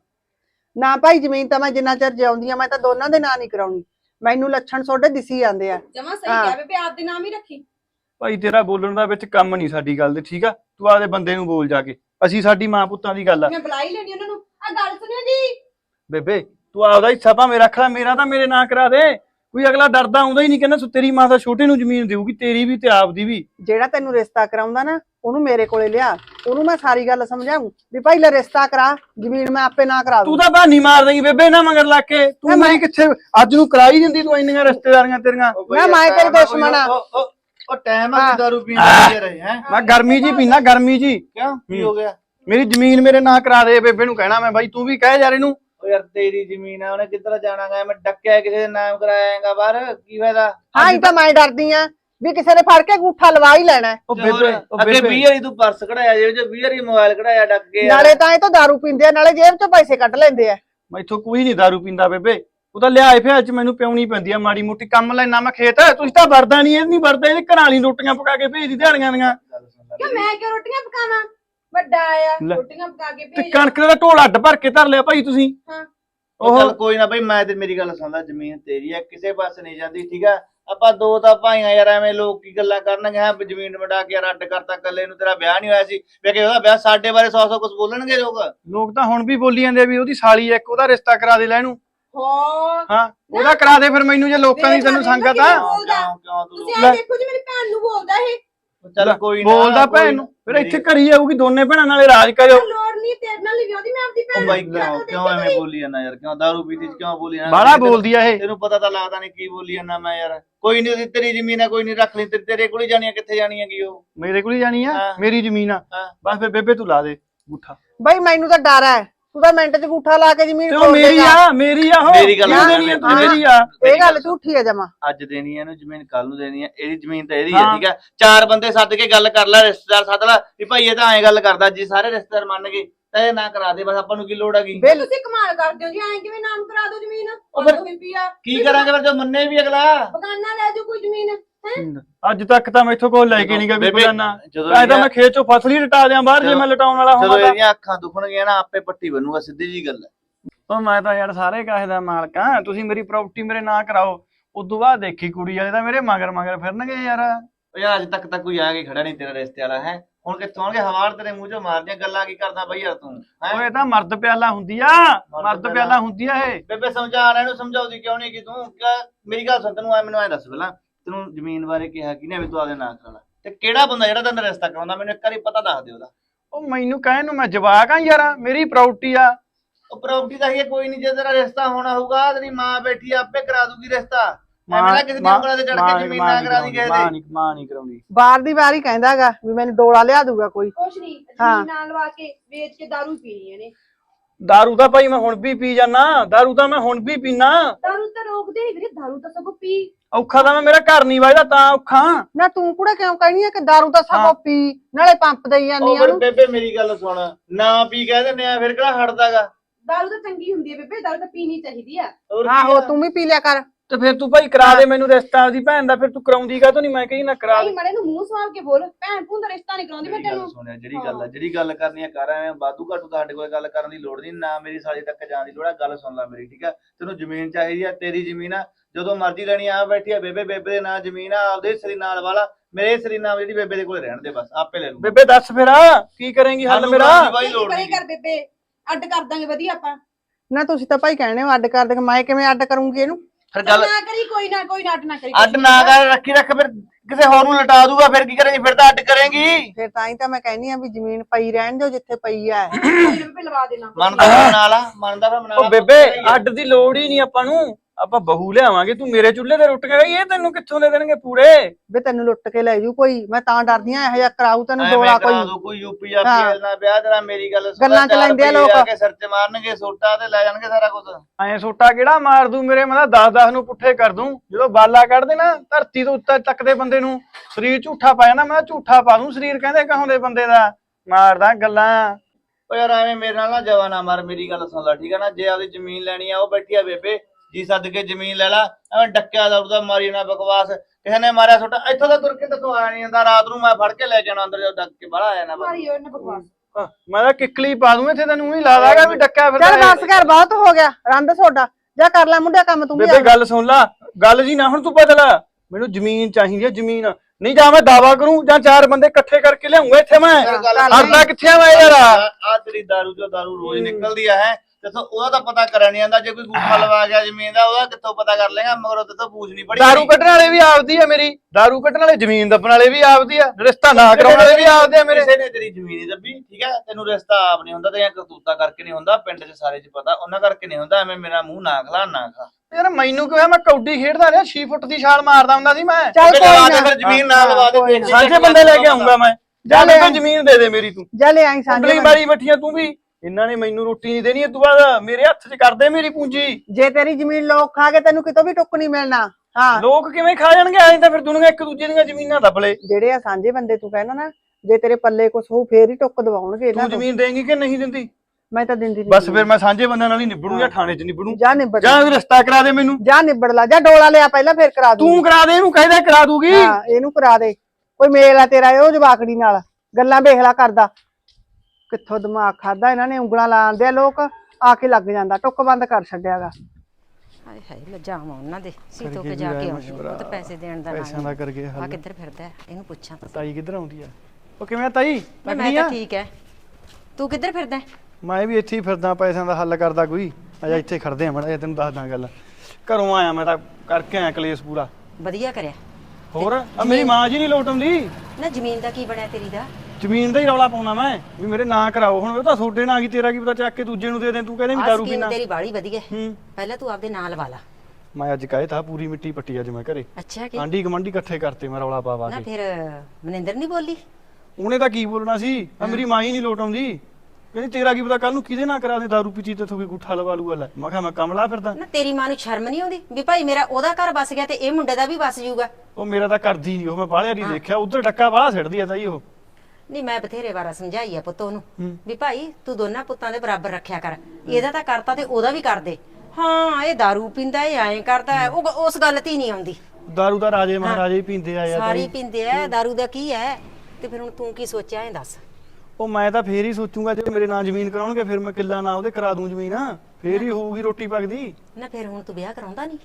Speaker 3: ਨਾ ਭਾਈ, ਜ਼ਮੀਨ ਤਾਂ ਮੈਂ ਜਿੰਨਾ ਚਿਰ ਜਿਉਂਦੀ ਆ, ਮੈਂ ਤਾਂ ਦੋਨਾਂ ਦੇ ਨਾਂ ਨਹੀਂ ਕਰਾਉਣੀ। ਮੈਨੂੰ ਲੱਛਣ ਤੁਹਾਡੇ ਦਿਸੀ ਜਾਂਦੇ ਆ।
Speaker 2: ਜਮਾ ਸਹੀ ਕਿਹਾ ਬੇਬੇ, ਆਪ ਦੇ ਨਾਮ ਹੀ ਰੱਖੀ।
Speaker 1: ਭਾਈ ਤੇਰਾ ਬੋਲਣ ਦਾ ਵਿੱਚ ਕੰਮ ਨਹੀਂ ਸਾਡੀ ਗੱਲ ਦੇ, ਠੀਕ ਆ? ਤੂੰ ਆਪਦੇ ਬੰਦੇ ਨੂੰ ਬੋਲ ਜਾ ਕੇ, ਅਸੀਂ ਸਾਡੀ ਮਾਂ ਪੁੱਤਾਂ ਦੀ ਗੱਲ ਆ।
Speaker 2: ਮੈਂ ਬੁਲਾ ਹੀ ਲੈਣੀ ਉਹਨਾਂ ਨੂੰ। ਆ ਗੱਲ ਸੁਣਿਓ ਜੀ
Speaker 1: ਬੇਬੇ ਤੂੰ ਆਪਦਾ ਹਿੱਸਾ ਭਾਵੇਂ ਰੱਖ ਲੈ, ਮੇਰਾ ਤਾਂ ਮੇਰੇ ਨਾਂ ਕਰਾ ਦੇ। ਕੋਈ ਅਗਲਾ ਡਰਦਾ ਆਉਂਦਾ ਹੀ ਨਹੀਂ, ਕਹਿੰਦਾ ਤੇਰੀ ਮਾਂ ਤਾਂ ਛੋਟੇ ਨੂੰ ਜ਼ਮੀਨ ਦੇਊਗੀ, ਤੇਰੀ ਵੀ ਤੇ ਆਪ ਦੀ ਵੀ।
Speaker 3: ਜਿਹੜਾ ਤੈਨੂੰ ਰਿਸ਼ਤਾ ਕਰਾਉਂਦਾ ਨਾ, ਉਹਨੂੰ ਮੇਰੇ ਕੋਲੇ ਲਿਆ, ਉਹਨੂੰ ਮੈਂ ਸਾਰੀ ਗੱਲ ਸਮਝਾਉਂ ਵੀ ਭਾਈ ਲੈ ਰਿਸ਼ਤਾ ਕਰਾ, ਜ਼ਮੀਨ ਮੈਂ ਆਪੇ ਨਾ ਕਰਾ ਦੂੰ।
Speaker 1: ਤੂੰ ਤਾਂ ਬਹਾਨੀ ਮਾਰ ਦੇਂਗੀ ਬੇਬੇ ਨਾ ਮਗਰ ਲੱਗ ਕੇ, ਤੂੰ ਮੇਰੀ ਕਿੱਥੇ ਅੱਜ ਨੂੰ ਕਰਾ ਹੀ ਦਿੰਦੀ, ਤੂੰ ਇੰਨੀਆਂ ਰਿਸ਼ਤੇਦਾਰੀਆਂ ਤੇਰੀਆਂ।
Speaker 3: ਨਾ ਮੈਂ ਤੇਰੀ ਦੁਸ਼ਮਣ ਆ।
Speaker 7: ਉਹ ਟਾਈਮ ਆ ਦਾਰੂ ਪੀਣ ਲੱਗੇ ਰਹੇ ਹੈ।
Speaker 1: ਮੈਂ ਗਰਮੀ ਜੀ ਪੀਣਾ, ਗਰਮੀ ਜੀ।
Speaker 7: ਕਿਉਂ ਕੀ ਹੋ ਗਿਆ?
Speaker 1: ਮੇਰੀ ਜ਼ਮੀਨ ਮੇਰੇ ਨਾਂ ਕਰਾ ਦੇ, ਬੇਬੇ ਨੂੰ ਕਹਿਣਾ ਮੈਂ। ਬਾਈ ਤੂੰ ਵੀ ਕਹਿ ਯਾਰ ਇਹਨੂੰ।
Speaker 7: ਉਹ ਯਾਰ ਤੇਰੀ ਜ਼ਮੀਨ ਆ, ਉਹਨੇ ਕਿੱਧਰ ਜਾਣਾਗਾ? ਮੈਂ ਡੱਕਿਆ ਕਿਸੇ ਦੇ ਨਾਮ ਕਰਾਇਆਗਾ ਬਾਹਰ, ਕੀ ਫਾਇਦਾ?
Speaker 3: ਹਾਂ ਇਹ ਤਾਂ ਮੈਂ ਡਰਦੀ ਆ ਵੀ ਕਿਸੇ ਨੇ ਫੜ ਕੇ ਅੰਗੂਠਾ ਲਵਾ ਹੀ ਲੈਣਾ।
Speaker 1: ਉਹ ਬੇਬੇ
Speaker 7: ਅੱਗੇ 20 ਵਾਰੀ ਤੂੰ ਪਰਸ ਕਢਾਇਆ, ਜੇ 20 ਵਾਰੀ ਮੋਬਾਈਲ ਕਢਾਇਆ ਡੱਕ ਕੇ।
Speaker 3: ਨਾਲੇ ਤਾਂ ਇਹ ਤਾਂ ਦਾਰੂ ਪੀਂਦੇ ਆ, ਨਾਲੇ ਜੇਬ ਚੋਂ ਪੈਸੇ ਕੱਢ ਲੈਂਦੇ ਆ।
Speaker 1: ਮੈਥੋਂ ਕੋਈ ਨਹੀਂ ਦਾਰੂ ਪੀਂਦਾ ਬੇਬੇ, ਉਹ ਤਾਂ ਲਿਆਏ ਫਿਆਲ ਚ ਮੈਨੂੰ ਪਿਉਣੀ ਪੈਂਦੀ ਆ ਮਾੜੀ ਮੋਟੀ। ਕੰਮ ਲੈਣਾ ਮੈਂ ਖੇਤ, ਤੁਸੀਂ ਤਾਂ ਵਰਦਾ ਨਹੀਂ, ਇਹ ਨਹੀਂ ਵਰਦਾ, ਇਹ ਘਰਾਂ ਵਾਲੀ ਰੋਟੀਆਂ ਪਕਾ ਕੇ ਭੇਜਦੀ ਦਿਹਾੜੀਆਂ ਦੀਆਂ।
Speaker 2: ਕਿ ਮੈਂ ਕਿਉਂ ਰੋਟੀਆਂ ਪਕਾਵਾਂ?
Speaker 8: ਵੱਡਾ ਆਇਆ
Speaker 1: ਲੈ।
Speaker 8: ਰੋਟੀਆਂ ਪਕਾ ਕੇ
Speaker 1: ਤੇ
Speaker 8: ਭੇਜ
Speaker 1: ਕਣਕ ਦਾ ਢੋਲ ਅੱਡ ਭਰ ਕੇ ਧਰ ਲਿਆ ਭਾਈ ਤੁਸੀਂ।
Speaker 8: ਹਾਂ।
Speaker 7: ਚੱਲ ਕੋਈ ਨਾ ਬਈ, ਮੈਂ ਤੇ ਮੇਰੀ ਗੱਲ ਸੁਣਦਾ, ਜ਼ਮੀਨ ਤੇਰੀ ਆ, ਕਿਸੇ ਪਾਸੇ ਨਹੀਂ ਜਾਂਦੀ, ਠੀਕ ਆ। ਆਪਾਂ ਦੋ ਤਾਂ ਭਾਈਆਂ ਯਾਰ, ਐਵੇਂ ਲੋਕ ਕੀ ਗੱਲਾਂ ਕਰਨਗੇ, ਹੈ ਜ਼ਮੀਨ ਵੰਡਾ ਕੇ ਯਾਰ ਅੱਡ ਕਰਤਾ, ਕੱਲੇ ਨੂੰ ਤੇਰਾ ਵਿਆਹ ਨਹੀਂ ਹੋਇਆ ਸੀ, ਵੇਖੇ ਉਹਦਾ ਵਿਆਹ, ਸਾਡੇ ਬਾਰੇ 100 ਕੁਝ ਬੋਲਣਗੇ ਲੋਕ।
Speaker 1: ਲੋਕ ਤਾਂ ਹੁਣ ਵੀ ਬੋਲੀ ਜਾਂਦੇ ਆ ਵੀ ਉਹਦੀ ਸਾਲੀ ਇੱਕ, ਉਹਦਾ ਰਿਸ਼ਤਾ ਕਰਾ ਦੇ ਲੈ ਇਹਨੂੰ।
Speaker 8: ਹਾਂ
Speaker 1: ਹਾਂ ਉਹਦਾ ਕਰਾ ਦੇ ਫਿਰ ਮੈਨੂੰ, ਜੇ ਲੋਕਾਂ ਦੀ ਤੈਨੂੰ ਸੰਗਤ ਆ।
Speaker 7: ਕਿਉਂ ਤੂੰ
Speaker 8: ਤੁਸੀਂ ਆ ਦੇਖੋ ਜੀ ਮੇਰੀ ਭੈਣ ਨੂੰ ਬੋਲਦਾ ਇਹ
Speaker 7: ਚੱਲ ਕੋਈ ਨਾ,
Speaker 1: ਬੋਲਦਾ
Speaker 7: ਕੋਈ
Speaker 1: ਭੈਣ
Speaker 7: ਨਾ।
Speaker 1: ਨੂੰ, ਫਿਰ ਇੱਥੇ ਘਰੀ ਆਊਗੀ, ਦੋਨੇ ਭੈਣਾਂ ਨਾਲੇ ਰਾਜ ਕਰਿਓ।
Speaker 8: ਲੋੜ ਨਹੀਂ ਤੇਰੇ ਨਾਲ ਹੀ ਵਿਆਹਦੀ, ਮੈਂ ਆਪਦੀ
Speaker 7: ਉਹ
Speaker 8: ਭੈਣ
Speaker 7: ਬਾਈ
Speaker 8: ਨੂੰ
Speaker 7: ਕਿਉਂ ਐਵੇਂ ਬੋਲੀ ਜਾਂਦਾ ਯਾਰ, ਕਿਉਂ ਦਾਰੂ ਪੀਤੀ ਚ ਕਿਉਂ ਬੋਲੀ ਜਾਂਦਾ?
Speaker 1: ਬਾਹਲਾ ਬੋਲਦੀ ਆ ਇਹ।
Speaker 7: ਤੈਨੂੰ ਪਤਾ ਤਾਂ ਲੱਗਦਾ ਨਹੀਂ ਕੀ ਬੋਲੀ ਜਾਂਦਾ ਮੈਂ ਯਾਰ। ਕੋਈ ਨਹੀਂ, ਤੇਰੀ ਜ਼ਮੀਨ ਆ, ਕੋਈ ਨਹੀਂ, ਰੱਖ ਲਈ, ਤੇਰੇ ਕੋਲ ਹੀ ਜਾਣੀ ਆ, ਕਿੱਥੇ ਜਾਣੀ ਹੈਗੀ ਉਹ?
Speaker 1: ਮੇਰੇ ਕੋਲ ਹੀ ਜਾਣੀ ਆ,
Speaker 7: ਹਾਂ।
Speaker 1: ਮੇਰੀ ਜ਼ਮੀਨ ਆ।
Speaker 7: ਹਾਂ।
Speaker 1: ਬਸ ਫਿਰ ਬੇਬੇ ਤੂੰ ਲਾ ਦੇ ਗੁੱਠਾ।
Speaker 3: ਬਈ ਮੈਨੂੰ ਤਾਂ ਡਰ ਹੈ, ਤੂੰ ਤਾਂ ਮਿੰਟ 'ਚ ਗੂਠਾ ਲਾ ਕੇ ਜ਼ਮੀਨ
Speaker 1: ਤੇ ਉਹ
Speaker 3: ਖੋਲ
Speaker 1: ਮੇਰੀ
Speaker 3: ਦੇਗਾ।
Speaker 1: ਆ, ਮੇਰੀ ਆ ਉਹ।
Speaker 7: ਮੇਰੀ ਗੱਲ
Speaker 1: ਕਿਉਂ
Speaker 7: ਸੁਣ,
Speaker 1: ਦੇਣੀ ਆ ਤੂੰ?
Speaker 7: ਮੇਰੀ-
Speaker 1: ਮੇਰੀ ਆ।
Speaker 3: ਇਹ ਗੱਲ ਝੂਠੀ ਹੈ ਜਮਾ।
Speaker 7: ਅੱਜ ਦੇਣੀ ਹੈ ਇਹਨੂੰ ਜ਼ਮੀਨ, ਕੱਲ ਨੂੰ ਦੇਣੀ ਹੈ, ਇਹਦੀ ਜ਼ਮੀਨ ਤਾਂ ਇਹਦੀ
Speaker 1: ਹਾਂ।
Speaker 7: ਹੈ, ਠੀਕ ਹੈ। ਚਾਰ ਬੰਦੇ ਸੱਦ ਕੇ ਗੱਲ ਕਰ ਲੈ, ਰਿਸ਼ਤੇਦਾਰ ਸੱਦ ਲੈ ਵੀ ਭਾਈ ਇਹ ਤਾਂ ਐਂ ਗੱਲ ਕਰਦਾ, ਜੀ ਸਾਰੇ ਰਿਸ਼ਤੇਦਾਰ ਮੰਨ ਗਏ ਤਾਂ ਇਹ ਨਾ ਕਰਾ ਦੇ, ਬਸ ਆਪਾਂ ਨੂੰ ਕੀ ਲੋੜ ਹੈਗੀ?
Speaker 3: ਬਿਲ
Speaker 8: ਤੁਸੀਂ ਕਮਾਲ ਕਰਦੇ ਹੋ ਜੀ, ਐਂ ਕਿਵੇਂ ਨਾਮ ਕਰਾ ਦੋ ਜ਼ਮੀਨ?
Speaker 7: ਉਹ ਫਿਰ
Speaker 8: ਹੋਈ ਪਈ ਆ
Speaker 7: ਕੀ ਕਰਾਂਗੇ ਫਿਰ, ਜੋ ਮੰਨੇ ਵੀ ਅਗਲਾ।
Speaker 8: ਬਗਾਨਾ ਲੈ ਜਾਓ ਕੋਈ ਜ਼ਮੀਨ।
Speaker 1: ਅੱਜ ਤੱਕ ਤਾਂ ਮੈਥੋਂ ਕੋਈ ਲੈ ਕੇ ਨਹੀਂ ਗਿਆ ਵੀ
Speaker 7: ਬੇਬੇ,
Speaker 1: ਬਗਾਨਾ।
Speaker 7: ਜਦੋਂ
Speaker 1: ਐ ਤਾਂ ਮੈਂ ਖੇਤ ਚੋਂ ਫਸਲ ਹੀ ਲਟਾ ਦਿਆਂ ਬਾਹਰ, ਜੇ ਮੈਂ ਲਟਾਉਣ ਵਾਲਾ
Speaker 7: ਜਦੋਂ
Speaker 1: ਹੋਵਾਂ ਤਾਂ।
Speaker 7: ਇਹਦੀਆਂ ਅੱਖਾਂ ਦੁਖਣਗੀਆਂ ਨਾ, ਆਪੇ ਪੱਟੀ ਬਣੂਗਾ, ਸਿੱਧੀ ਜੀ ਗੱਲ ਹੈ।
Speaker 1: ਉਹ ਮੈਂ ਤਾਂ ਯਾਰ ਸਾਰੇ ਕਾਹੇ ਦਾ ਮਾਲਕ ਆ, ਤੁਸੀਂ ਮੇਰੀ ਪ੍ਰਾਪਰਟੀ ਮੇਰੇ ਨਾਂ ਕਰਾਓ, ਉਦੋਂ ਬਾਅਦ ਦੇਖੀ ਕੁੜੀ ਵਾਲੇ ਤਾਂ ਮੇਰੇ ਮਗਰ ਮਗਰ ਫਿਰਨਗੇ ਯਾਰ।
Speaker 7: ਉਹ ਯਾਰ ਅੱਜ ਤੱਕ ਤਾਂ ਕੋਈ ਆ ਕੇ ਖੜਾ ਨਹੀਂ ਤੇਰਾ ਰਿਸ਼ਤੇ ਵਾਲਾ, ਹੈ ਹੁਣ ਕਿੱਥੋਂ ਆਉਣਗੇ? ਹਵਾੜ ਤੇਰੇ ਮੂੰਹ ਚੋਂ ਮਾਰਦੀਆਂ ਗੱਲਾਂ, ਕੀ ਕਰਦਾ ਬਈ ਯਾਰ ਤੂੰ?
Speaker 1: ਉਹ ਇਹ ਤਾਂ ਮਰਦ ਪਿਆਲਾ ਹੁੰਦੀ ਆ, ਮਰਦ ਪਿਆਲਾ ਹੁੰਦੀ ਆ ਇਹ।
Speaker 7: ਬੇਬੇ ਸਮਝਾ ਰਿਹਾ, ਇਹਨੂੰ ਸਮਝਾਉਂਦੀ ਕਿਉਂ ਨਹੀਂ ਕਿ ਤੂੰ? ਮੇਰੀ ਗੱਲ ਸੁਣ, ਤੈਨੂੰ ਮੈਨੂੰ ਐ ਦੱਸ ਪਹਿਲਾਂ, ਤੈਨੂੰ ਜ਼ਮੀਨ ਬਾਰੇ ਕਿਹਾ ਕਿਨੇ ਵੀ ਤੂੰ ਆਪਦੇ ਨਾਂ ਕਰਾ ਲੈ? ਤੇ ਕਿਹੜਾ ਬੰਦਾ ਜਿਹੜਾ ਤੈਨੂੰ ਰਿਸ਼ਤਾ ਕਰਾਉਂਦਾ, ਮੈਨੂੰ ਇੱਕ ਵਾਰੀ ਪਤਾ ਦੱਸ ਦੇ ਉਹਦਾ।
Speaker 1: ਉਹ ਮੈਨੂੰ ਕਹਿਣ ਨੂੰ ਮੈਂ ਜਵਾਕ ਆ ਯਾਰ, ਮੇਰੀ ਪ੍ਰਾਪਰਟੀ ਆ।
Speaker 7: ਉਹ ਪ੍ਰਾਪਰਟੀ ਦਾ ਹੀ ਕੋਈ ਨਹੀਂ, ਜੇ ਤੇਰਾ ਰਿਸ਼ਤਾ ਹੋਣਾ ਹੋਊਗਾ, ਤੇਰੀ ਮਾਂ ਬੈਠੀ ਆ, ਆਪੇ ਕਰਾ ਦੂਗੀ ਰਿਸ਼ਤਾ। ਐਵੇਂ ਨਾ ਕਿਸੇ ਦੀ ਉਂਗਲਾਂ ਤੇ ਚੜ ਕੇ ਜ਼ਮੀਨ ਨਾ ਕਰਾ ਦੀ ਕਿਸੇ ਦੇ।
Speaker 1: ਮਾਂ ਨਹੀਂ ਕਰਾਉਂਦੀ।
Speaker 3: ਬਾਰ ਦੀ ਵਾਰੀ ਕਹਿੰਦਾਗਾ ਵੀ ਮੈਨੂੰ ਡੋਲਾ ਲਿਆ ਦੂਗਾ ਕੋਈ।
Speaker 8: ਕੁਛ ਨਹੀਂ,
Speaker 3: ਹਾਂ।
Speaker 8: ਜ਼ਮੀਨ ਨਾਲ ਲਵਾ ਕੇ ਵੇਚ ਕੇ ਦਾਰੂ ਪੀਣੀ ਇਹਨੇ।
Speaker 1: ਦਾਰੂ ਤਾਂ ਭਾਈ ਮੈਂ ਹੁਣ ਵੀ ਪੀ ਜਾਨਾ, ਦਾਰੂ ਤਾਂ ਮੈਂ ਹੁਣ ਵੀ ਪੀਣਾ।
Speaker 8: ਦਾਰੂ ਤਾਂ ਰੋਕਦੇ ਨਹੀਂ ਵੀਰੇ, ਦਾਰੂ ਤਾਂ ਸਗੋਂ ਪੀ।
Speaker 1: ਔਖਾ ਤਾਂ ਮੈਂ, ਮੇਰਾ ਘਰ ਨਹੀਂ ਵਜਦਾ ਤਾਂ ਔਖਾ।
Speaker 3: ਨਾ ਤੂੰ ਕੁੜਾ ਕਿਉਂ ਕਹਿਣੀ ਆ ਕਿ ਦਾਰੂ ਤਾਂ ਸਗੋਂ ਪੀ, ਨਾਲੇ ਪੰਪ ਦੇਈ ਜਾਂਦੀ
Speaker 7: ਉਹ
Speaker 3: ਆ
Speaker 7: ਫਿਰ
Speaker 3: ਉਹਨੂੰ।
Speaker 7: ਬੇਬੇ ਮੇਰੀ ਗੱਲ ਸੁਣ, ਨਾ ਪੀ ਕਹਿ ਦਿੰਦੇ ਆ, ਫਿਰ ਕਿਹੜਾ ਹਟਦਾਗਾ?
Speaker 8: ਦਾਰੂ ਤਾਂ ਚੰਗੀ ਹੁੰਦੀ ਹੈ ਬੇਬੇ, ਦਾਰੂ ਤਾਂ ਪੀਣੀ ਚਾਹੀਦੀ ਆ।
Speaker 7: ਹੋਰ ਕੀ
Speaker 3: ਆਹੋ
Speaker 7: ਆ?
Speaker 3: ਤੂੰ ਵੀ ਪੀ ਲਿਆ ਕਰ।
Speaker 1: ਤੇ ਫਿਰ ਤੂੰ ਭਾਈ ਕਰਾ ਦੇ ਮੈਨੂੰ ਰਿਸ਼ਤਾ ਦੀ ਭੈਣ ਦਾ, ਫਿਰ ਤੂੰ ਕਰਾਉਂਦੀ ਕਾ ਤੂੰ ਨਹੀਂ? ਮੈਂ ਕਹੀ ਨਾ ਕਰਾ ਦੇ।
Speaker 8: ਨਹੀਂ ਮੜੇ ਨੂੰ ਮੂੰਹ ਸਵਾਰ ਕੇ ਬੋਲ, ਭੈਣ ਭੂੰ ਦਾ ਰਿਸ਼ਤਾ ਨਹੀਂ ਕਰਾਉਂਦੀ ਮੈਂ
Speaker 7: ਮੇਰੀ ਗੱਲ
Speaker 8: ਤੈਨੂੰ।
Speaker 7: ਸੁਣਿਆ, ਜਿਹੜੀ ਗੱਲ ਕਰਨੀ ਆ ਕਰ, ਐਵੇਂ ਵਾਧੂ ਘਾਟੂ ਤੁਹਾਡੇ ਕੋਲ ਗੱਲ ਕਰਨ ਦੀ ਲੋੜ ਨਹੀਂ, ਨਾ ਮੇਰੀ ਸਾਲੀ ਤੱਕ ਜਾਣ ਦੀ ਲੋੜ ਆ। ਗੱਲ ਸੁਣ ਲੈ ਮੇਰੀ, ਠੀਕ ਆ? ਤੈਨੂੰ ਜ਼ਮੀਨ ਚਾਹੀਦੀ ਆ, ਤੇਰੀ ਜ਼ਮੀਨ ਆ, ਜਦੋਂ ਮਰਜ਼ੀ ਲੈਣੀ ਆ ਬੈਠੀ ਆ ਬੇਬੇ, ਬੇਬੇ ਦੇ ਨਾਂ ਜ਼ਮੀਨ ਆ, ਆਪਦੇ ਸਰੀ ਨਾਲ ਵਾਲਾ, ਮੇਰੇ ਸਰੀ ਨਾਲ ਜਿਹੜੀ ਬੇਬੇ ਦੇ ਕੋਲ ਰਹਿਣ ਦੇ, ਬਸ ਆਪੇ ਲੈ ਲੂ।
Speaker 1: ਬੇਬੇ ਦੱਸ ਫਿਰ ਕੀ ਕਰੇਂਗੀ ਹੱਲ
Speaker 7: ਸਾਨੂੰ
Speaker 1: ਮੇਰਾ?
Speaker 7: ਬਾਈ ਲੋੜ
Speaker 8: ਪਰੇ
Speaker 7: ਨਹੀਂ।
Speaker 8: ਕਰ ਬੇਬੇ, ਅੱਡ ਕਰ ਦਾਂਗੇ ਵਧੀਆ ਆਪਾਂ।
Speaker 3: ਨਾ ਤੁਸੀਂ ਤਾਂ ਭਾਈ ਕਹਿਣੇ ਹੋ ਅੱਡ ਕਰ ਦੇ, ਮੈਂ ਕਿਵੇਂ ਅੱਡ ਕਰੂੰਗੀ ਇਹਨੂੰ?
Speaker 7: ਫਿਰ ਗੱਲ
Speaker 8: ਨਾ ਕਰੀ, ਕੋਈ ਨਾ ਅੱਡ ਨਾ ਕਰੀ।
Speaker 7: ਅੱਡ ਨਾ ਕਰ, ਰੱਖੀ ਰੱਖ, ਫਿਰ ਕਿਸੇ ਹੋਰ ਨੂੰ ਲਟਾ ਦੂਗਾ, ਫਿਰ ਕੀ ਕਰੇਂਗੀ? ਫਿਰ ਤਾਂ ਅੱਡ ਕਰੇਂਗੀ।
Speaker 3: ਫਿਰ ਤਾਂ ਹੀ ਤਾਂ ਮੈਂ ਕਹਿੰਦੀ ਆ ਵੀ ਜ਼ਮੀਨ ਪਈ ਰਹਿਣ ਦਿਓ ਜਿੱਥੇ ਪਈ ਆ।
Speaker 8: ਬੇਬੇ ਲਵਾ ਦੇਣਾ।
Speaker 7: ਮੰਨਦਾ ਫਿਰ ਮਨਾ ਲਾ, ਮੰਨਦਾ ਫਿਰ ਮਨਾ ਲਾ।
Speaker 1: ਉਹ ਬੇਬੇ ਅੱਡ ਦੀ ਲੋੜ ਹੀ ਨਹੀਂ ਆਪਾਂ ਨੂੰ, ਆਪਾਂ ਬਹੂ ਲਿਆਵਾਂਗੇ, ਤੂੰ ਮੇਰੇ ਚੁੱਲ੍ਹੇ ਤੇ ਰੋਟੀਆਂ ਖਾਈ, ਇਹ ਤੈਨੂੰ ਕਿੱਥੋਂ ਦੇ ਦੇਣਗੇ ਪੂਰੇ?
Speaker 3: ਵੇ ਤੈਨੂੰ ਲੁੱਟ ਕੇ ਲੈ ਜੂ ਕੋਈ, ਮੈਂ ਤਾਂ ਡਰਦੀ ਆ ਇਹੋ ਜਿਹਾ ਕਰਾਊ ਤੈਨੂੰ
Speaker 7: ਐਵੇਂ
Speaker 3: ਡੋਲਾ
Speaker 7: ਕਰਾ
Speaker 3: ਕੋਈ।
Speaker 7: ਦੂ ਕੋਈ ਯੂਪੀ ਆ ਨਾਲ ਵਿਆਹ ਤੇਰਾ। ਮੇਰੀ ਗੱਲ ਸੁਣ,
Speaker 3: ਗੱਲਾਂ ਚ
Speaker 7: ਚਾਰ
Speaker 3: ਲੈਂਦੇ ਆ
Speaker 7: ਰੁਪਈਏ
Speaker 3: ਲੋਕ।
Speaker 7: ਕੇ ਸਿਰ ਚ ਮਾਰਨਗੇ ਸੋਟਾ ਤੇ ਲੈ ਜਾਣਗੇ ਸਾਰਾ ਕੁਝ।
Speaker 1: ਐ ਸੋਟਾ ਕਿਹੜਾ ਮਾਰ ਦੂੰ ਮੇਰੇ, ਮੈਂ 10-10 ਨੂੰ ਪੁੱਠੇ ਕਰ ਦੂੰ। ਜਦੋਂ ਬਾਲਾ ਕੱਢਦੇ ਨਾ ਧਰਤੀ ਤੋਂ ਉੱਤੇ ਤੱਕਦੇ ਬੰਦੇ ਨੂੰ, ਸਰੀਰ ਝੂਠਾ ਪਾ ਜਾਂਦਾ, ਮੈਂ ਝੂਠਾ ਪਾ ਦੂੰ ਸਰੀਰ, ਕਹਿੰਦੇ ਕਹਾਉਂਦੇ ਬੰਦੇ ਦਾ। ਮਾਰਦਾ ਗੱਲਾਂ।
Speaker 7: ਓ ਯਾਰ ਐਵੇਂ ਮੇਰੇ ਨਾਲ ਨਾ ਜਵਾ ਨਾ ਮਾਰ, ਮੇਰੀ ਗੱਲ ਸੁਣ ਲੈ, ਠੀਕ ਆ ਨਾ? ਜੇ ਆਪਦੀ ਜ਼ਮੀਨ ਲੈਣੀ ਆ, ਉਹ ਬੈਠੀ ਆ ਬੇਬੇ ਜੀ ਸੱਦ ਕੇ ਜ਼ਮੀਨ ਲੈ ਲਾ, ਐਵੇਂ ਡੱਕਿਆ ਦੌੜਦਾ ਮਾਰੀ ਨਾ ਬਕਵਾਸ। ਕਿਸੇ ਨੇ ਮਾਰਿਆ ਛੋਟਾ, ਇੱਥੋਂ ਦਾ ਤੁਰ ਕੇ ਤਾਂ ਆਇਆ ਨਹੀਂ ਜਾਂਦਾ, ਰਾਤ ਨੂੰ ਮੈਂ ਫੜ ਕੇ ਲੈ ਜਾਣਾ ਅੰਦਰ, ਜਦੋਂ ਡੱਕ ਕੇ ਬਾਹਰ ਆ ਜਾਣਾ।
Speaker 8: ਮਾਰੀ ਉਹਨੇ ਬਕਵਾਸ।
Speaker 1: ਮੈਂ ਤਾਂ ਕਿੱਕਲੀ ਪਾ ਦੂੰ ਇੱਥੇ, ਤੈਨੂੰ ਹੀ ਲਾ ਦਾਂਗਾ ਵੀ ਡੱਕਿਆ
Speaker 3: ਚੱਲ
Speaker 1: ਫਿਰਦਾ।
Speaker 3: ਬਸ ਕਰ, ਬਹੁਤ ਹੋ ਗਿਆ ਰੰਦ ਸੋਡਾ, ਜਾ ਕਰ ਲੈ ਮੁੰਡਿਆ ਕੰਮ ਤੂੰ ਵੀ।
Speaker 1: ਬੇਬੇ ਗੱਲ ਸੁਣ ਲਾ, ਗੱਲ ਜੀ ਨਾ ਹੁਣ ਤੂੰ ਬਦਲ। ਮੈਨੂੰ ਜ਼ਮੀਨ ਚਾਹੀਦੀ ਹੈ, ਜ਼ਮੀਨ ਨਹੀਂ, ਜਾਂ ਮੈਂ ਦਾਵਾ ਕਰੂੰ ਜਾਂ ਚਾਰ ਬੰਦੇ ਇਕੱਠੇ ਕਰਕੇ ਲਿਆਉਂਗਾ ਇੱਥੇ ਮੈਂ। ਅਰਦਾ ਕਿੱਥੇ ਆ ਮੈਂ ਯਾਰ?
Speaker 7: ਆ ਤੇਰੀ ਦਾਰੂ ਜੋ ਦਾਰੂ ਰੋਜ਼ ਨਿਕਲਦੀ ਆ, ਹੈ ਤੇ ਉਹਦਾ ਤਾਂ ਪਤਾ ਕਰਿਆ ਨਹੀਂ ਜਾਂਦਾ। ਜੇ ਕੋਈ ਗੂਠਾ ਲਵਾ ਗਿਆ ਜ਼ਮੀਨ ਦਾ, ਉਹਦਾ ਕਿੱਥੋਂ ਪਤਾ ਕਰ ਲੇਗਾ? ਮਗਰੋਂ ਤੇ ਤਾਂ ਪੂਛ ਨਹੀਂ ਪੜੀ।
Speaker 1: ਦਾਰੂ ਕੱਢਣ ਵਾਲੇ ਵੀ ਆਪਦੀ ਆ ਮੇਰੀ, ਦਾਰੂ ਕੱਢਣ ਵਾਲੇ ਜ਼ਮੀਨ ਦੱਬਣ ਵਾਲੇ ਵੀ ਆਪਦੀ ਆ, ਰਿਸ਼ਤਾ ਨਾ ਕਰਾਉਣ ਵਾਲੇ ਵੀ ਆਪਦੇ ਆ ਮੇਰੇ।
Speaker 7: ਕਿਸੇ ਨੇ ਤੇਰੀ ਜ਼ਮੀਨ ਨਹੀਂ ਦੱਬੀ, ਠੀਕ ਹੈ? ਤੈਨੂੰ ਰਿਸ਼ਤਾ ਆਪ ਨਹੀਂ ਹੁੰਦਾ, ਤੇਰੀਆਂ ਕਰਤੂਤਾਂ ਕਰਕੇ ਨਹੀਂ ਹੁੰਦਾ, ਪਿੰਡ 'ਚ ਸਾਰੇ 'ਚ ਪਤਾ, ਉਹਨਾਂ ਕਰਕੇ ਨਹੀਂ ਹੁੰਦਾ। ਐਵੇਂ ਮੇਰਾ ਮੂੰਹ ਨਾ ਖਲਾ, ਨਾ ਖਾ।
Speaker 1: ਯਾਰ ਮੈਨੂੰ ਕਿਹਾ, ਮੈਂ ਕੌਡੀ ਖੇਡਦਾ ਰਿਹਾ, 6 ਫੁੱਟ ਦੀ ਛਾਲ ਮਾਰਦਾ ਹੁੰਦਾ ਸੀ ਮੈਂ।
Speaker 3: ਚੱਲ
Speaker 7: ਤੇ
Speaker 3: ਕੋਈ
Speaker 7: ਲਵਾ ਦੇ
Speaker 3: ਨਾ,
Speaker 7: ਫਿਰ ਜ਼ਮੀਨ ਨਾ ਲਵਾ ਦੇ, ਵੇਚੀ
Speaker 1: ਸਾਂਝੇ ਬੰਦੇ ਲੈ ਕੇ ਆਉਂਗਾ ਮੈਂ। ਜਾਂ ਮੈਨੂੰ ਜ਼ਮੀਨ ਦੇ ਦੇ ਮੇਰੀ, ਤੂੰ
Speaker 3: ਜਾ ਲੈ ਆਈ ਸਾਂਝੇ
Speaker 1: ਕੁੰਡਲੀ ਮਾਰੀ ਬੈਠੀਆਂ ਤੂੰ ਵੀ। ਇਹਨਾਂ ਨੇ ਮੈਨੂੰ ਰੋਟੀ ਨਹੀਂ ਦੇਣੀ, ਤੂੰ ਬਾਅਦ ਮੇਰੇ ਹੱਥ 'ਚ ਕਰਦੇ ਮੇਰੀ ਪੂੰਜੀ।
Speaker 3: ਜੇ ਤੇਰੀ ਜ਼ਮੀਨ ਲੋਕ ਖਾ ਕੇ ਤੈਨੂੰ ਕਿਤੋਂ ਵੀ ਟੁੱਕ ਨਹੀਂ ਮਿਲਣਾ। ਹਾਂ,
Speaker 1: ਲੋਕ ਕਿਵੇਂ ਖਾ ਜਾਣਗੇ? ਐਂ ਤਾਂ ਫਿਰ ਦੁਨੀਆ ਇੱਕ ਦੂਜੇ ਦੀਆਂ ਜ਼ਮੀਨਾਂ ਦੱਬ ਲੇ।
Speaker 3: ਜਿਹੜੇ ਆ ਸਾਂਝੇ ਬੰਦੇ ਤੂੰ ਕਹਿਣਾ ਨਾ, ਜੇ ਤੇਰੇ ਪੱਲੇ ਕੁਛ ਹੋਊ ਫੇਰ ਹੀ ਟੁੱਕ ਦਵਾਉਣਗੇ ਇਹਨਾਂ
Speaker 1: ਤੂੰ
Speaker 3: ਤੋਂ।
Speaker 1: ਜ਼ਮੀਨ ਦੇਂਗੀ ਕਿ ਨਹੀਂ ਦਿੰਦੀ?
Speaker 3: ਮੈਂ ਤਾਂ ਦਿੰਦੀ ਨਹੀਂ।
Speaker 1: ਬਸ ਫਿਰ ਮੈਂ ਸਾਂਝੇ ਬੰਦਿਆਂ ਨਾਲ ਹੀ ਨਿਬੜੂ ਜਾਂ ਥਾਣੇ 'ਚ ਨਿਬੜੂ।
Speaker 3: ਜਾ ਨਿਬੜ
Speaker 1: ਜਾਂ ਰਿਸ਼ਤਾ ਕਰਾ ਦੇ ਮੈਨੂੰ।
Speaker 3: ਜਾ ਨਿਬੜ ਲਾ, ਜਾ ਡੋਲਾ ਲਿਆ ਪਹਿਲਾਂ ਫੇਰ ਕਰਾ ਦੂੰ।
Speaker 1: ਤੂੰ ਕਰਾ ਦੇ, ਇਹਨੂੰ ਕਹਿੰਦਾ ਕਰਾ ਦੂਗੀ।
Speaker 3: ਹਾਂ, ਇਹਨੂੰ ਕਰਾ ਦੇ, ਕੋਈ ਮੇਲ ਆ ਤੇਰਾ ਉਹ ਜਵਾਕੜੀ ਨਾਲ, ਗੱਲਾਂ ਵੇਖ ਲਾ ਕਰਦਾ। ਕਿੱਥੋਂ ਦਿਮਾਗ ਖਾਦਾ ਇਹਨਾਂ ਨੇ, ਉਂਗਲਾਂ ਲਾਉਂਦੇ ਆ ਲੋਕ, ਆ ਕੇ ਲੱਗ ਜਾਂਦਾ, ਟੁੱਕ ਬੰਦ ਕਰ ਛੱਡਿਆਗਾ।
Speaker 9: ਹਾਏ ਹਾਏ ਮੈਂ ਜਾਵਾਂ ਉਹਨਾਂ ਦੇ ਸੀਤੋ ਕੇ ਜਾ ਕੇ ਆਉਂਦੀ ਉਹ ਤਾਂ ਪੈਸੇ ਦੇਣ ਦਾ
Speaker 1: ਪੈਸਿਆਂ ਦਾ ਕਰਕੇ
Speaker 9: ਆ
Speaker 1: ਹੱਲ।
Speaker 9: ਕਿੱਧਰ ਫਿਰਦਾ ਹੈ? ਇਹਨੂੰ ਪੁੱਛਾਂ ਤਾਂ
Speaker 1: ਤਾਈ ਕਿੱਧਰ ਆਉਂਦੀ ਆ? ਉਹ ਕਿਵੇਂ ਆ ਤਾਈ?
Speaker 9: ਮੈਂ
Speaker 1: ਲੱਗਦੀ
Speaker 9: ਤਾਂ
Speaker 1: ਆ?
Speaker 9: ਠੀਕ ਹੈ, ਤੂੰ ਕਿੱਧਰ ਫਿਰਦਾ ਹੈ?
Speaker 1: ਮੈਂ ਵੀ ਇੱਥੇ ਹੀ ਫਿਰਦਾ, ਪੈਸਿਆਂ ਦਾ ਹੱਲ ਕਰਦਾ ਕੋਈ। ਅਜਾ ਇੱਥੇ ਖੜਦੇ ਆ, ਮੜਾ ਤੈਨੂੰ ਦੱਸਦਾ ਗੱਲ। ਘਰੋਂ ਆਇਆ ਮੈਂ ਤਾਂ, ਕਰਕੇ ਆਇਆ ਕਲੇਸ਼ ਪੂਰਾ।
Speaker 9: ਵਧੀਆ ਕਰਿਆ।
Speaker 1: ਹੋਰ ਆ ਮੇਰੀ ਮਾਂ ਜੀ ਨਹੀਂ ਲੋਟ ਆਉਂਦੀ।
Speaker 9: ਨਾ ਜ਼ਮੀਨ ਦਾ ਕੀ ਬਣਿਆ ਤੇਰੀ ਦਾ?
Speaker 1: ਜ਼ਮੀਨ ਦਾ ਹੀ ਰੌਲਾ ਪਾਉਣਾ ਮੈਂ ਵੀ ਮੇਰੇ ਨਾਂ ਕਰਾਓ। ਹੁਣ ਉਹ ਤਾਂ ਤੁਹਾਡੇ ਨਾਂ ਕੀ, ਤੇਰਾ ਕੀ ਪਤਾ, ਚੱਕ ਕੇ ਦੂਜੇ ਨੂੰ ਦੇ ਦੇ। ਤੂੰ ਕਹਿੰਦੇ ਵੀ
Speaker 9: ਆਹ
Speaker 1: ਦਾਰੂ
Speaker 9: ਸਕੀਮ
Speaker 1: ਪੀਣਾ।
Speaker 9: ਤੇਰੀ ਬਾੜੀ ਵਧੀਆ।
Speaker 1: ਹੂੰ।
Speaker 9: ਪਹਿਲਾਂ ਤੂੰ ਆਪਦੇ ਨਾਂ ਲਵਾ ਲਾ।
Speaker 1: ਮੈਂ ਅੱਜ ਕਹੇ ਤਾਂ ਪੂਰੀ ਮਿੱਟੀ ਪੱਟੀ ਅੱਜ ਮੈਂ ਘਰੇ।
Speaker 9: ਅੱਛਾ ਕਿ
Speaker 1: ਆਂਢੀ ਗਮੰਡੀ ਇਕੱਠੇ ਕਰਤੇ ਮੈਂ ਰੌਲਾ ਪਾ
Speaker 9: ਨਾ
Speaker 1: ਕੇ।
Speaker 9: ਫਿਰ ਮਨਿੰਦਰ ਨਹੀਂ ਬੋਲੀ?
Speaker 1: ਉਹਨੇ ਤਾਂ ਕੀ ਬੋਲਣਾ ਸੀ, ਆ ਮੇਰੀ ਮਾਂ ਹੀ ਨਹੀਂ ਲੋਟ ਆਉਂਦੀ। ਕਹਿੰਦੀ ਤੇਰਾ ਕੀ ਪਤਾ ਕੱਲ ਨੂੰ ਕਿਹਦੇ ਨਾਲ ਕਰਾ ਦੇ ਦਾਰੂ ਪੀਤੀ ਤੇ ਕੋਈ ਗੁੱਠਾ ਲਵਾ ਲੂਗਾ। ਲੈ ਮੈਂ ਕਿਹਾ ਮੈਂ ਕਮਲਾ ਫਿਰਦਾ।
Speaker 9: ਨਾ ਤੇਰੀ ਮਾਂ ਨੂੰ ਸ਼ਰਮ ਨਹੀਂ ਆਉਂਦੀ ਵੀ ਭਾਈ ਮੇਰਾ ਉਹਦਾ ਘਰ ਬਸ ਗਿਆ ਤੇ ਇਹ ਮੁੰਡੇ ਦਾ ਵੀ ਬਸ ਜਾਊਗਾ?
Speaker 1: ਉਹ ਮੇਰਾ ਤਾਂ ਕਰਦੀ ਨਹੀਂ, ਉਹ ਮੈਂ ਬਾਹਲਿਆ ਨਹੀਂ ਦੇਖਿਆ। ਉਧਰ ਡੱਕਾ ਬਾਹਲਾ ਛੱਡਦੀ ਆ ਤਾਈ ਉਹ।
Speaker 9: ਨਹੀਂ ਮੈਂ ਬਥੇਰੇ ਵਾਰਾ ਸਮਝਾਈ ਆ ਪੁੱਤ ਉਹਨੂੰ ਵੀ ਭਾਈ ਤੂੰ ਦੋਨਾਂ ਪੁੱਤਾਂ ਦੇ ਬਰਾਬਰ ਰੱਖਿਆ ਕਰ, ਇਹਦਾ ਤਾਂ ਕਰਤਾ ਤੇ ਉਹਦਾ ਵੀ ਕਰ ਦੇ। ਹਾਂ ਇਹ ਦਾਰੂ ਪੀਂਦਾ, ਇਹ ਐਂ ਕਰਦਾ, ਉਹ ਉਸ ਗੱਲ ਤੇ ਹੀ ਨਹੀਂ ਆਉਂਦੀ।
Speaker 1: ਦਾਰੂ ਤਾਂ ਰਾਜੇ ਮਹਾਰਾਜੇ ਹੀ ਪੀਂਦੇ ਆ ਯਾਰ।
Speaker 9: ਸਾਰੇ ਪੀਂਦੇ ਆ, ਦਾਰੂ ਦਾ ਕੀ ਹੈ? ਤੇ ਫਿਰ ਹੁਣ ਤੂੰ ਕੀ ਸੋਚਿਆ ਇਹ ਦੱਸ?
Speaker 1: ਉਹ ਮੈਂ ਤਾਂ ਫੇਰ ਹੀ ਸੋਚੂਗਾ ਜੇ ਮੇਰੇ ਨਾਂ ਜ਼ਮੀਨ ਕਰਾਉਣਗੇ, ਫਿਰ ਮੈਂ ਕਿੱਲਾ ਨਾ ਉਹਦੇ ਕਰਾ ਦੂੰ ਜ਼ਮੀਨ, ਫੇਰ ਹੀ ਹੋਊਗੀ ਰੋਟੀ ਪੱਕਦੀ।
Speaker 9: ਨਾ ਫਿਰ ਹੁਣ ਤੂੰ ਵਿਆਹ ਕਰਾਉਂਦਾ ਨਹੀਂ?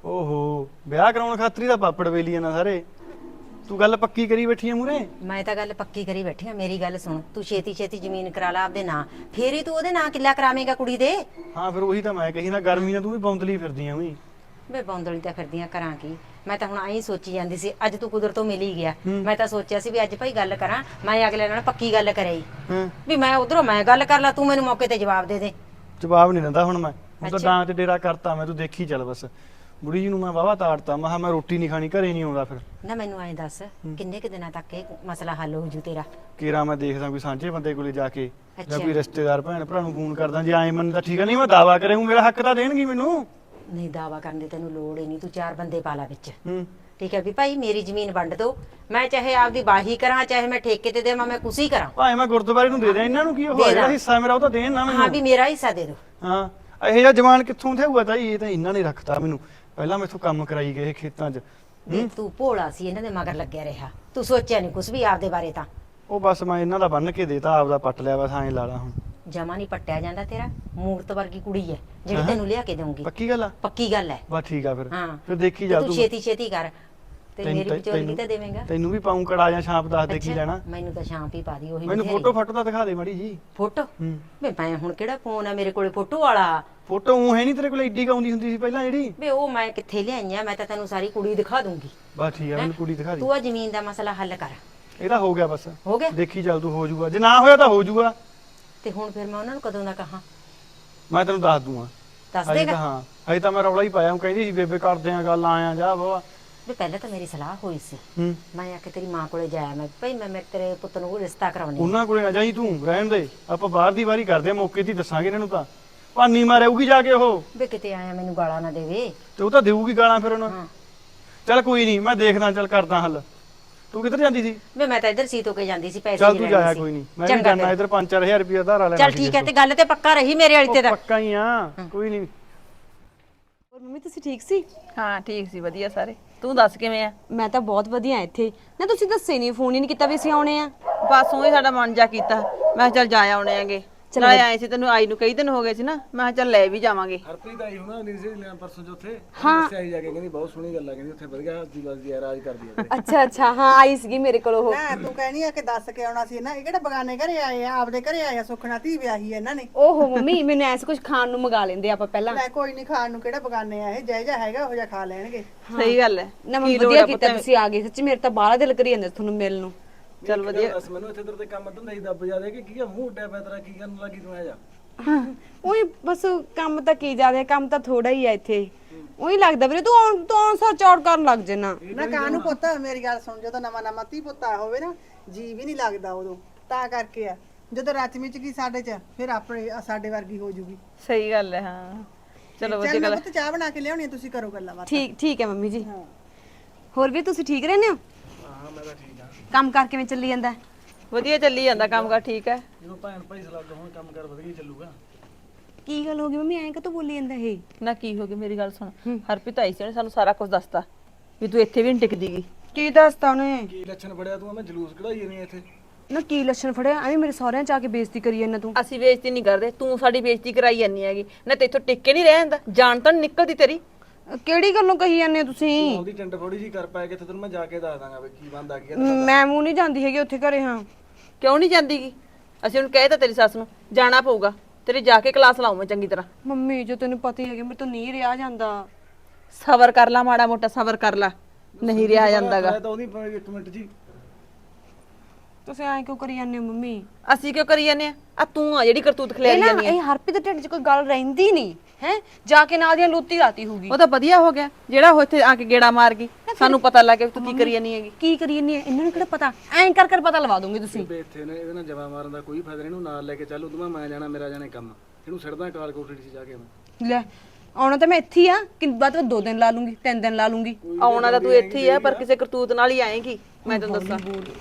Speaker 1: ਓਹੋ ਵਿਆਹ ਕਰਾਉਣ ਖਾਤਰੀ ਤਾਂ ਪਾਪੜ ਵੇਲੀ ਨਾ ਸਾਰੇ। ਤੂੰ ਗੱਲ ਪੱਕੀ ਕਰੀ ਬੈਠੀ ਆ ਮੂਰੇ।
Speaker 9: ਮੈਂ ਤਾਂ ਗੱਲ ਪੱਕੀ ਕਰੀ ਬੈਠੀ ਆ। ਮੇਰੀ ਗੱਲ ਸੁਣ, ਤੂੰ ਛੇਤੀ ਛੇਤੀ ਜ਼ਮੀਨ ਕਰਾ ਲਾ ਆਪਦੇ ਨਾਂ, ਫੇਰ ਹੀ ਤੂੰ ਉਹਦੇ ਨਾਂ ਕਿੱਲਾ ਕਰਾਵੇਂਗਾ ਕੁੜੀ ਦੇ।
Speaker 1: ਹਾਂ ਫਿਰ ਉਹੀ ਤਾਂ ਮੈਂ ਕਹੀ ਨਾ, ਗਰਮੀ ਨਾਲ ਤੂੰ ਵੀ ਬੌਂਦਲੀ ਫਿਰਦੀ ਆ ਵੀ।
Speaker 9: ਵੇ ਬੌਂਦਲੀ ਤਾਂ ਫਿਰਦੀਆਂ ਕਰਾਂ ਕੀ? ਮੈਂ ਤਾਂ ਹੁਣ ਆਈ ਸੋਚੀ ਜਾਂਦੀ ਸੀ, ਅੱਜ ਤੂੰ ਕੁਦਰਤੋਂ ਮਿਲ ਹੀ ਗਿਆ। ਮੈਂ ਤਾਂ ਸੋਚਿਆ ਸੀ ਵੀ ਅੱਜ ਭਾਈ ਗੱਲ ਕਰਾਂ, ਮੈਂ ਅਗਲੇ ਨਾਲ ਪੱਕੀ ਗੱਲ ਕਰਾਈ ਵੀ ਮੈਂ ਉਧਰੋਂ ਮੈਂ ਗੱਲ ਕਰ ਲਾ, ਤੂੰ ਮੈਨੂੰ ਮੌਕੇ ਤੇ ਜਵਾਬ ਦੇ ਦੇ।
Speaker 1: ਜਵਾਬ ਨਹੀਂ ਦਿੰਦਾ ਹੁਣ ਮੈਂ, ਹੁਣ ਤਾਂ ਡਾਂ ਤੇ ਡੇਰਾ ਕਰਤਾ ਮੈਂ। ਤੂੰ ਦੇਖੀ ਚੱਲ ਬਸ। ਬੁੜੀ ਜੀ ਨੂੰ ਮੈਂ ਵਾਵਾ ਤਾੜਤਾ, ਮੈਂ ਕਿਹਾ ਮੈਂ ਰੋਟੀ ਨਹੀਂ ਖਾਣੀ, ਘਰੇ ਨਹੀਂ ਆਉਂਦਾ ਫਿਰ।
Speaker 9: ਨਾ ਮੈਨੂੰ ਐਂ ਦੱਸ ਕਿੰਨੇ ਕੁ ਦਿਨਾਂ ਤੱਕ ਇਹ ਮਸਲਾ ਹੱਲ ਹੋ ਜੂ ਤੇਰਾ?
Speaker 1: ਕੇਰਾ ਮੈਂ ਦੇਖਦਾ ਕੋਈ ਸਾਂਝੇ ਬੰਦੇ ਕੋਲੇ ਜਾ ਕੇ, ਜਾਂ
Speaker 9: ਅੱਛਾ।
Speaker 1: ਕੋਈ ਰਿਸ਼ਤੇਦਾਰ ਭੈਣ ਭਰਾ ਨੂੰ ਫੋਨ ਕਰਦਾ। ਜੇ ਐਂ ਮੰਨ ਤਾਂ ਠੀਕ ਆ, ਨਹੀਂ ਮੈਂ ਦਾਵਾ ਕਰੇ ਹੂੰ, ਮੇਰਾ ਹੱਕ ਤਾਂ ਦੇਣਗੀ ਮੈਨੂੰ।
Speaker 9: ਨਹੀਂ ਦਾਵਾ ਕਰਨ ਦੀ ਤੈਨੂੰ ਲੋੜ ਹੀ ਨਹੀਂ, ਤੂੰ 4 ਬੰਦੇ ਪਾ ਲਾ ਵਿੱਚ।
Speaker 1: ਹੂੰ
Speaker 9: ਠੀਕ ਹੈ ਵੀ ਭਾਈ ਮੇਰੀ ਜ਼ਮੀਨ ਵੰਡ ਦੋ, ਮੈਂ ਚਾਹੇ ਆਪਦੀ ਬਾਹੀ ਕਰਾਂ, ਚਾਹੇ ਮੈਂ ਠੇਕੇ ਤੇ ਦੇਵਾਂ, ਮੈਂ ਕੁਛ ਹੀ ਕਰਾਂ।
Speaker 1: ਭਾਵੇਂ ਮੈਂ ਗੁਰਦੁਆਰੇ ਨੂੰ ਦੇ ਦਿਆਂ, ਇਹਨਾਂ ਨੂੰ ਕੀ ਉਹ ਜਿਹੜਾ ਹਿੱਸਾ ਮੇਰਾ ਉਹ ਤਾਂ ਦੇਣ ਨਾ
Speaker 9: ਹਾਂ
Speaker 1: ਮੈਨੂੰ।
Speaker 9: ਵੀ ਮੇਰਾ ਹਿੱਸਾ ਦੇ ਦੋ।
Speaker 1: ਹਾਂ ਇਹ ਜਿਹਾ ਜਵਾਨ ਕਿੱਥੋਂ ਥਿਆਊਗਾ ਤਾਈ? ਇਹ ਤਾਂ ਇਹਨਾਂ ਨੇ ਰੱਖਤਾ ਮੈਨੂੰ, ਪਹਿਲਾਂ ਮੈਥੋਂ ਕੰਮ ਕਰਾਈ ਗਏ ਖੇਤਾਂ 'ਚ।
Speaker 9: ਵੀ ਤੂੰ ਭੋਲਾ ਸੀ, ਇਹਨਾਂ ਦੇ ਮਗਰ ਲੱਗਿਆ ਰਿਹਾ, ਤੂੰ ਸੋਚਿਆ ਨਹੀਂ ਕੁਛ ਵੀ ਆਪਦੇ ਬਾਰੇ। ਤਾਂ
Speaker 1: ਉਹ ਬਸ ਮੈਂ ਇਹਨਾਂ ਦਾ ਬੰਨ ਕੇ ਦੇਤਾ, ਆਪਦਾ ਪੱਟ ਲਿਆ ਬਸ, ਐਂ ਲਾ ਲਾ ਹੁਣ।
Speaker 9: ਜਮਾ ਨਹੀਂ ਪੱਟਿਆ ਜਾਂਦਾ ਤੇਰਾ। ਮੂਰਤ ਵਰਗੀ ਕੁੜੀ ਹੈ ਜਿਹੜੀ ਤੈਨੂੰ ਲਿਆ ਕੇ ਦਊਂਗੀ।
Speaker 1: ਪੱਕੀ ਗੱਲ ਆ?
Speaker 9: ਪੱਕੀ ਗੱਲ ਹੈ।
Speaker 1: ਬਸ ਠੀਕ ਆ ਫਿਰ।
Speaker 9: ਹਾਂ
Speaker 1: ਫਿਰ ਦੇਖੀ
Speaker 9: ਤੇ
Speaker 1: ਜਾ
Speaker 9: ਤੂੰ
Speaker 1: ਤੂੰ।
Speaker 9: ਛੇਤੀ ਛੇਤੀ ਕਰ ਤੇ ਮੇਰੀ ਵਿਚੋਲਗੀ ਤਾਂ ਦੇਵੇਂਗਾ।
Speaker 1: ਤੈਨੂੰ ਵੀ ਪਾਉਂ ਕੜਾ ਜਾਂ ਛਾਪ, ਦੱਸ ਦੇ ਕੀ
Speaker 9: ਅੱਛਾ,
Speaker 1: ਲੈਣਾ।
Speaker 9: ਮੈਨੂੰ ਤਾਂ ਸ਼ਾਂਪ ਹੀ ਪਾ ਦੀ ਉਹੀ।
Speaker 1: ਮੈਨੂੰ
Speaker 9: ਬਥੇਰੀ।
Speaker 1: ਫੋਟੋ ਫਾਟੋ ਤਾਂ ਦਿਖਾ ਦੇ ਮਾੜੀ ਜੀ।
Speaker 9: ਫੋਟੋ
Speaker 1: ਹੂੰ
Speaker 9: ਵੇ ਮੈਂ ਹੁਣ ਕਿਹੜਾ ਫੋਨ ਆ ਮੇਰੇ ਕੋਲੇ ਫੋਟੋ ਵਾਲਾ?
Speaker 1: ਫੋਟੋ ਉਹ ਹੈ ਨਹੀਂ ਤੇਰੇ ਕੋਲ ਏਡੀ ਕਾਉਂਦੀ ਹੁੰਦੀ ਸੀ ਪਹਿਲਾਂ ਜਿਹੜੀ?
Speaker 9: ਵੇ ਉਹ ਮੈਂ ਕਿੱਥੇ ਲਿਆਈਆਂ? ਮੈਂ ਤਾਂ ਤੈਨੂੰ ਸਾਰੀ ਕੁੜੀ ਦਿਖਾ ਦੂੰਗੀ।
Speaker 1: ਬਸ ਠੀਕ ਆ, ਮੈਨੂੰ ਕੁੜੀ ਦਿਖਾ ਦੇ।
Speaker 9: ਤੂੰ ਆ ਜ਼ਮੀਨ ਦਾ ਮਸਲਾ ਹੱਲ ਕਰ।
Speaker 1: ਇਹਦਾ ਹੋ ਗਿਆ ਬਸ।
Speaker 9: ਹੋ ਗਿਆ?
Speaker 1: ਦੇਖੀ ਚੱਲ ਤੂੰ, ਹੋ ਜਾਊਗਾ। ਜੇ ਨਾ ਹੋਇਆ ਤਾਂ ਹੋ ਜਾਊਗਾ।
Speaker 9: ਤੇ ਹੁਣ ਫਿਰ ਮੈਂ ਉਹਨਾਂ ਨੂੰ ਕਦੋਂ ਦਾ ਕਹਾਂ?
Speaker 1: ਮੈਂ ਤੈਨੂੰ ਦੱਸ ਦੂੰਗਾ।
Speaker 9: ਦੱਸ
Speaker 1: ਹਜੇ
Speaker 9: ਦੇਗਾ?
Speaker 1: ਤਾਂ ਹਾਂ, ਹਜੇ ਤਾਂ ਮੈਂ ਰੌਲਾ ਹੀ ਪਾਇਆ। ਉਹ ਕਹਿੰਦੀ ਸੀ ਬੇਬੇ ਕਰਦੇ ਆ ਗੱਲ, ਆਇਆ ਜਾ ਬਾਬਾ।
Speaker 9: ਵੀ ਪਹਿਲਾਂ ਤਾਂ ਮੇਰੀ ਸਲਾਹ ਹੋਈ ਸੀ,
Speaker 1: ਹੂੰ
Speaker 9: ਮੈਂ ਆ ਕੇ ਤੇਰੀ ਮਾਂ ਕੋਲੇ ਜਾਇਆ, ਮੈਂ ਭਈ ਮੈਂ ਤੇਰੇ ਪੁੱਤ ਨੂੰ ਰਿਸ਼ਤਾ ਕਰਾਉਣੀ ਆ।
Speaker 1: ਉਹਨਾਂ ਕੋਲੇ ਨਾ ਜਾਈ ਤੂੰ, ਰਹਿਣ ਦੇ। ਆਪਾਂ ਬਾਹਰ ਦੀ ਵਾਰੀ ਕਰਦੇ ਆ, ਮੌਕੇ ਤੇ ਹੀ ਦੱਸਾਂਗੇ ਇਹਨਾਂ ਨੂੰ। ਤਾਂ ਭਾਨੀ ਮਾਰੇਊਗੀ ਜਾ ਕੇ ਉਹ।
Speaker 9: ਵੇ ਕਿਤੇ ਆਇਆ ਮੈਨੂੰ ਗਾਲਾਂ ਨਾ ਦੇਵੇ।
Speaker 1: ਤੇ ਉਹ ਤਾਂ ਦੇਊਗੀ ਗਾਲਾਂ ਫਿਰ ਉਹਨਾਂ।
Speaker 9: ਹਾਂ
Speaker 1: ਚੱਲ ਕੋਈ ਨਹੀਂ, ਮੈਂ ਦੇਖਦਾ, ਚੱਲ ਕਰਦਾ ਹੱਲ। ਤੂੰ ਕਿੱਧਰ ਜਾਂਦੀ ਸੀ?
Speaker 9: ਵੇ ਮੈਂ ਤਾਂ ਇੱਧਰ ਸੀਤੋ ਕੇ ਜਾਂਦੀ ਸੀ, ਪੈਸੇ
Speaker 1: ਚੱਲ
Speaker 9: ਹੀ
Speaker 1: ਤੂੰ
Speaker 9: ਲੈਣੇ
Speaker 1: ਜਾਇਆ
Speaker 9: ਸੀ।
Speaker 1: ਕੋਈ ਨਹੀਂ, ਮੈਂ ਵੀ
Speaker 9: ਚੰਗਾ
Speaker 1: ਜਾਣਾ
Speaker 9: ਫਿਰ।
Speaker 1: ਇੱਧਰ 5-4000 ਰੁਪਏ ਧਾਰਾ ਲੈਣਾ।
Speaker 9: ਚੱਲ ਠੀਕ ਹੈ, ਤੇ ਗੱਲ ਤੇ ਪੱਕਾ ਰਹੀ ਮੇਰੇ ਵਾਲੀ ਤੇ ਤਾਂ।
Speaker 1: ਪੱਕਾ ਹੀ ਆ, ਕੋਈ ਨਹੀਂ।
Speaker 2: ਹੋਰ ਮੰਮੀ ਤੁਸੀਂ ਠੀਕ ਸੀ?
Speaker 4: ਹਾਂ ਠੀਕ ਸੀ, ਵਧੀਆ ਸਾਰੇ। ਤੂੰ ਦੱਸ ਕਿਵੇਂ ਆ?
Speaker 2: ਮੈਂ ਤਾਂ ਬਹੁਤ ਵਧੀਆ ਇੱਥੇ। ਨਾ ਤੁਸੀਂ ਦੱਸੇ ਨਹੀਂ, ਫੋਨ ਹੀ ਨਹੀਂ ਕੀਤਾ ਵੀ ਅਸੀਂ ਆਉਣੇ ਆ।
Speaker 4: ਬਸ ਉਹੀ ਸਾਡਾ ਮਨ ਜਾ ਕੀਤਾ, ਮੈਂ ਕਿਹਾ ਚੱਲ ਜਾ ਆਉਣੇ ਆਂਗੇ। ਨਾਲੇ ਆਏ ਸੀ, ਤੈਨੂੰ ਆਈ ਨੂੰ ਕਈ ਦਿਨ ਹੋ ਗਏ ਸੀ ਨਾ, ਮੈਂ ਕਿਹਾ ਚੱਲ ਲੈ ਵੀ ਜਾਵਾਂਗੇ।
Speaker 6: ਹਰਪ੍ਰੀਤ ਆਈ ਹੋਣਾ ਨੀਰਜ ਲੈਣ ਪਰਸੋਂ ਜੋ ਉੱਥੇ ਦੱਸਿਆ ਹੀ ਜਾ ਕੇ, ਕਹਿੰਦੀ ਬਹੁਤ ਸੋਹਣੀ ਗੱਲ ਆ, ਕਹਿੰਦੀ ਉੱਥੇ ਵਧੀਆ ਜੀ ਰਾਜ ਕਰਦੀ ਆ।
Speaker 2: ਅੱਛਾ ਅੱਛਾ, ਹਾਂ ਆਈ ਸੀਗੀ ਮੇਰੇ ਕੋਲ ਉਹ।
Speaker 3: ਨਾ ਤੂੰ ਕਹਿਣੀ ਆ ਕਿ ਦੱਸ ਕੇ ਆਉਣਾ ਸੀ ਨਾ, ਇਹ ਕਿਹੜਾ ਬਗਾਨੇ ਘਰੇ ਆਏ ਆ, ਆਪਦੇ ਘਰੇ ਆਏ ਆ। ਸੁਖਣਾ ਧੀ ਵਿਆਹੀ ਆ ਇਹਨਾਂ ਨੇ।
Speaker 2: ਓਹੋ ਮੰਮੀ, ਮੈਨੂੰ ਐਸ ਕੁਝ ਖਾਣ ਨੂੰ ਮੰਗਾ ਲੈਂਦੇ ਆਪਾਂ ਪਹਿਲਾਂ।
Speaker 3: ਲੈ ਕੋਈ ਨਹੀਂ, ਖਾਣ ਨੂੰ ਕਿਹੜਾ ਬਗਾਨੇ ਆ ਇਹ, ਜੈ ਜਾ ਹੈਗਾ ਉਹ ਜਾ ਖਾ ਲੈਣਗੇ।
Speaker 4: ਸਹੀ ਗੱਲ ਹੈ।
Speaker 2: ਨਾ ਮੈਂ ਵਧੀਆ ਕੀਤਾ ਤੁਸੀਂ ਆ ਗਏ, ਸੱਚੀ ਮੇਰੇ ਤਾਂ ਬਾਹਲਾ ਦਿਲ ਕਰੀ ਜਾਂਦਾ ਤੁਹਾਨੂੰ ਮਿਲਣ ਨੂੰ।
Speaker 4: ਚੱਲ ਵਧੀਆ।
Speaker 6: ਦੱਸ ਮੈਨੂੰ ਇੱਥੇ ਤੇ ਕੰਮ ਧੰਦਾ ਹੀ ਦੱਬ ਜਾ ਦੇ ਕਿ ਕੀ ਆ, ਮੂੰਹ ਉੱਡਿਆ ਪਿਆ ਤੇਰਾ, ਕੀ ਕਰਨ ਲੱਗੀ ਤੂੰ? ਆ ਜਾ।
Speaker 2: ਉਹੀ ਬਸ ਕੰਮ ਤਾਂ ਕੀ ਜ਼ਿਆਦਾ, ਕੰਮ ਤਾਂ ਥੋੜਾ ਹੀ ਆ ਇੱਥੇ। ਉਹੀ ਲੱਗਦਾ ਵੀਰੇ ਤੂੰ ਆਉਣ ਸਾਰ ਚੌੜ ਕਰਨ ਲੱਗ ਜੇਨਾ।
Speaker 3: ਨਾ ਕਾਹਨੂੰ ਪੁੱਤ, ਮੇਰੀ ਗੱਲ ਸੁਣ, ਜਦੋਂ ਨਵਾਂ ਧੀ ਪੁੱਤ ਆਇਆ ਹੋਵੇ ਨਾ, ਜੀ ਵੀ ਨਹੀਂ ਲੱਗਦਾ ਉਦੋਂ, ਤਾਂ ਕਰਕੇ ਆ। ਜਦੋਂ ਰਚਮੀ ਚ ਕੀ ਸਾਡੇ ਚ, ਫਿਰ ਆਪਣੇ ਸਾਡੇ ਵਰਗੀ ਹੋ ਜੂਗੀ।
Speaker 4: ਸਹੀ ਗੱਲ ਹੈ। ਹਾਂ ਚਲੋ ਵਧੀਆ
Speaker 3: ਚੱਲ ਮੈਂ
Speaker 4: ਗੱਲ।
Speaker 3: ਪੁੱਤ ਚਾਹ ਬਣਾ ਕੇ ਲਿਆਉਣੀ, ਤੁਸੀਂ ਕਰੋ ਗੱਲਾਂ ਬਾਤਾਂ।
Speaker 2: ਠੀਕ ਹੈ ਮੰਮੀ ਜੀ। ਹੋਰ ਵੀ ਤੁਸੀਂ ਠੀਕ ਰਹਿੰਦੇ ਹੋ?
Speaker 6: ਹਾਂ ਮੈਂ ਤਾਂ ਠੀਕ ਆ।
Speaker 2: ਕੰਮ ਕਰ ਕਿਵੇਂ ਚੱਲੀ ਜਾਂਦਾ?
Speaker 4: ਵਧੀਆ ਚੱਲੀ ਜਾਂਦਾ ਕੰਮ ਕਰ, ਠੀਕ ਹੈ।
Speaker 6: ਜਦੋਂ ਭੈਣ ਭਾਈ ਸਲਾਹ ਹੁਣ ਕੰਮ ਕਰ ਵਧੀਆ ਚੱਲੂਗਾ।
Speaker 2: ਕੀ ਗੱਲ ਹੋ ਗਈ ਮੰਮੀ, ਐਂ ਕਾਹਤੋਂ ਬੋਲੀ ਜਾਂਦਾ ਇਹ?
Speaker 4: ਨਾ ਕੀ ਹੋ ਗਿਆ, ਮੇਰੀ ਗੱਲ ਸੁਣ। ਹਰਪ੍ਰੀਤ ਆਈ ਸੀ, ਉਹਨੇ ਸਾਨੂੰ ਸਾਰਾ ਕੁਝ ਦੱਸਤਾ ਵੀ ਤੂੰ ਇੱਥੇ ਵੀ ਨਹੀਂ ਟਿਕਦੀਗੀ।
Speaker 2: ਕੀ ਦੱਸਤਾ ਉਹਨੇ?
Speaker 6: ਕੀ ਲੱਛਣ ਫੜਿਆ ਤੂੰ? ਮੈਂ ਜਲੂਸ ਕਢਾਈ ਨਹੀਂ ਇੱਥੇ।
Speaker 2: ਨਾ ਕੀ ਲੱਛਣ ਫੜਿਆ ਐਵੇਂ ਮੇਰੇ ਸਹੁਰਿਆਂ ਚ ਆ ਕੇ ਬੇਇੱਜ਼ਤੀ ਕਰੀ ਜਾਂਦਾ ਤੂੰ।
Speaker 4: ਅਸੀਂ ਬੇਇੱਜ਼ਤੀ ਨਹੀਂ ਕਰਦੇ, ਤੂੰ ਸਾਡੀ ਬੇਇੱਜ਼ਤੀ ਕਰਾਈ ਜਾਂਦੀ ਹੈਗੀ ਨਾ, ਤੇ ਇੱਥੋਂ ਟਿਕ ਕੇ ਨਹੀਂ ਰਹਿ ਜਾਂਦਾ, ਜਾਨ ਤਾਂ ਨੀ ਨਿਕਲਦੀ ਤੇਰੀ।
Speaker 2: ਕਿਹੜੀ ਗੱਲੋਂ ਕਹੀ ਜਾਂਦੇ ਹੋ ਤੁਸੀਂ?
Speaker 6: ਉਹਦੀ ਟੰਡ ਥੋੜੀ ਜੀ ਕਰ ਪਾਏ ਕਿਤੇ ਤੈਨੂੰ ਮੈਂ ਜਾ ਕੇ ਦੱਸ ਦਾਂਗਾ ਵੀ ਕੀ ਬੰਦਾ ਕੀ
Speaker 2: ਮੈਂ ਮੂੰਹ ਨਹੀਂ ਜਾਂਦੀ ਹੈਗੀ ਉੱਥੇ ਘਰੇ। ਹਾਂ
Speaker 4: ਕਿਉਂ ਨਹੀਂ ਜਾਂਦੀਗੀ? ਅਸੀਂ ਉਹਨੂੰ ਕਹਿ ਤਾ ਤੇਰੀ ਸੱਸ ਨੂੰ ਜਾਣਾ ਪਊਗਾ, ਤੇਰੀ ਜਾ ਕੇ ਕਲਾਸ ਲਾਉਂ ਮੈਂ ਚੰਗੀ ਤਰ੍ਹਾਂ।
Speaker 2: ਮੰਮੀ ਜੋ ਤੈਨੂੰ ਪਤਾ ਹੀ ਹੈਗਾ ਮੇਰੇ ਤੋਂ ਨਹੀਂ ਰਿਹਾ ਜਾਂਦਾ।
Speaker 4: ਸਬਰ ਕਰ ਲਾ, ਮਾੜਾ ਮੋਟਾ ਸਬਰ ਕਰ ਲਾ, ਨਹੀਂ ਰਿਹਾ ਜਾਂਦਾਗਾ।
Speaker 6: ਤਾਂ ਉਹਦੀ 1 ਮਿੰਟ ਜੀ
Speaker 2: ਤੁਸੀਂ ਐਂ ਕਿਉਂ ਕਰੀ ਜਾਂਦੇ ਹੋ ਮੰਮੀ?
Speaker 4: ਅਸੀਂ ਕਿਉਂ ਕਰੀ ਜਾਂਦੇ ਆ ਤੂੰ ਆ ਜਿਹੜੀ ਕਰਤੂਤ ਖਿਲਾਰੀ ਜਾਂਦੀ
Speaker 2: ਇਹ ਹਰਪ੍ਰੀਤ ਦੇ ਢਿੱਡ 'ਚ ਕੋਈ ਗੱਲ ਰਹਿੰਦੀ ਨਹੀਂ ਹੈ, ਜਾ ਕੇ ਨਾਲ ਦੀਆਂ ਲੋਤੀ ਰਾਤੀ ਹੋਊਗੀ।
Speaker 4: ਉਹ ਤਾਂ ਵਧੀਆ ਹੋ ਗਿਆ ਜਿਹੜਾ ਉਹ ਇੱਥੇ ਆ ਕੇ ਗੇੜਾ ਮਾਰ ਗਈ, ਸਾਨੂੰ ਪਤਾ ਲੱਗ ਗਿਆ ਵੀ ਤੂੰ ਕੀ ਕਰੀ ਜਾਂਦੀ ਹੈਗੀ।
Speaker 2: ਕੀ ਕਰੀ ਜਾਂਦੀ ਹੈ ਇਹਨਾਂ ਨੂੰ ਕਿਹੜਾ ਪਤਾ, ਐਂ ਕਰ ਕਰ ਪਤਾ ਲਵਾ ਦੋਗੇ ਤੁਸੀਂ।
Speaker 6: ਬੇ ਇੱਥੇ ਨੇ ਇਹਦੇ ਨਾਲ ਜਵਾ ਮਾਰਨ ਦਾ ਕੋਈ ਫਾਇਦਾ ਨਹੀਂ, ਇਹਨੂੰ ਨਾਲ ਲੈ ਕੇ ਚੱਲ, ਉਦੋਂ ਮੈਂ ਜਾਣਾ, ਮੇਰਾ ਜਾਣੇ ਕੰਮ, ਇਹਨੂੰ ਛੱਡਦਾ ਕਾਲ ਕੋਠੜੀ 'ਚ ਜਾ ਕੇ ਮੈਂ।
Speaker 2: ਲੈ ਆਉਣਾ ਤਾਂ ਮੈਂ ਇੱਥੇ ਹੀ ਆ ਕਿ ਬਾਅਦ ਵਿੱਚ 2 ਦਿਨ ਲਾ ਲੂੰਗੀ 3 ਦਿਨ ਲਾ ਲੂੰਗੀ।
Speaker 4: ਆਉਣਾ ਤਾਂ ਤੂੰ ਇੱਥੇ ਹੀ ਆ ਪਰ ਕਿਸੇ ਕਰਤੂਤ ਨਾਲ ਹੀ ਆਏਗੀ, ਮੈਂ ਤੈਨੂੰ ਦੱਸਾਂ।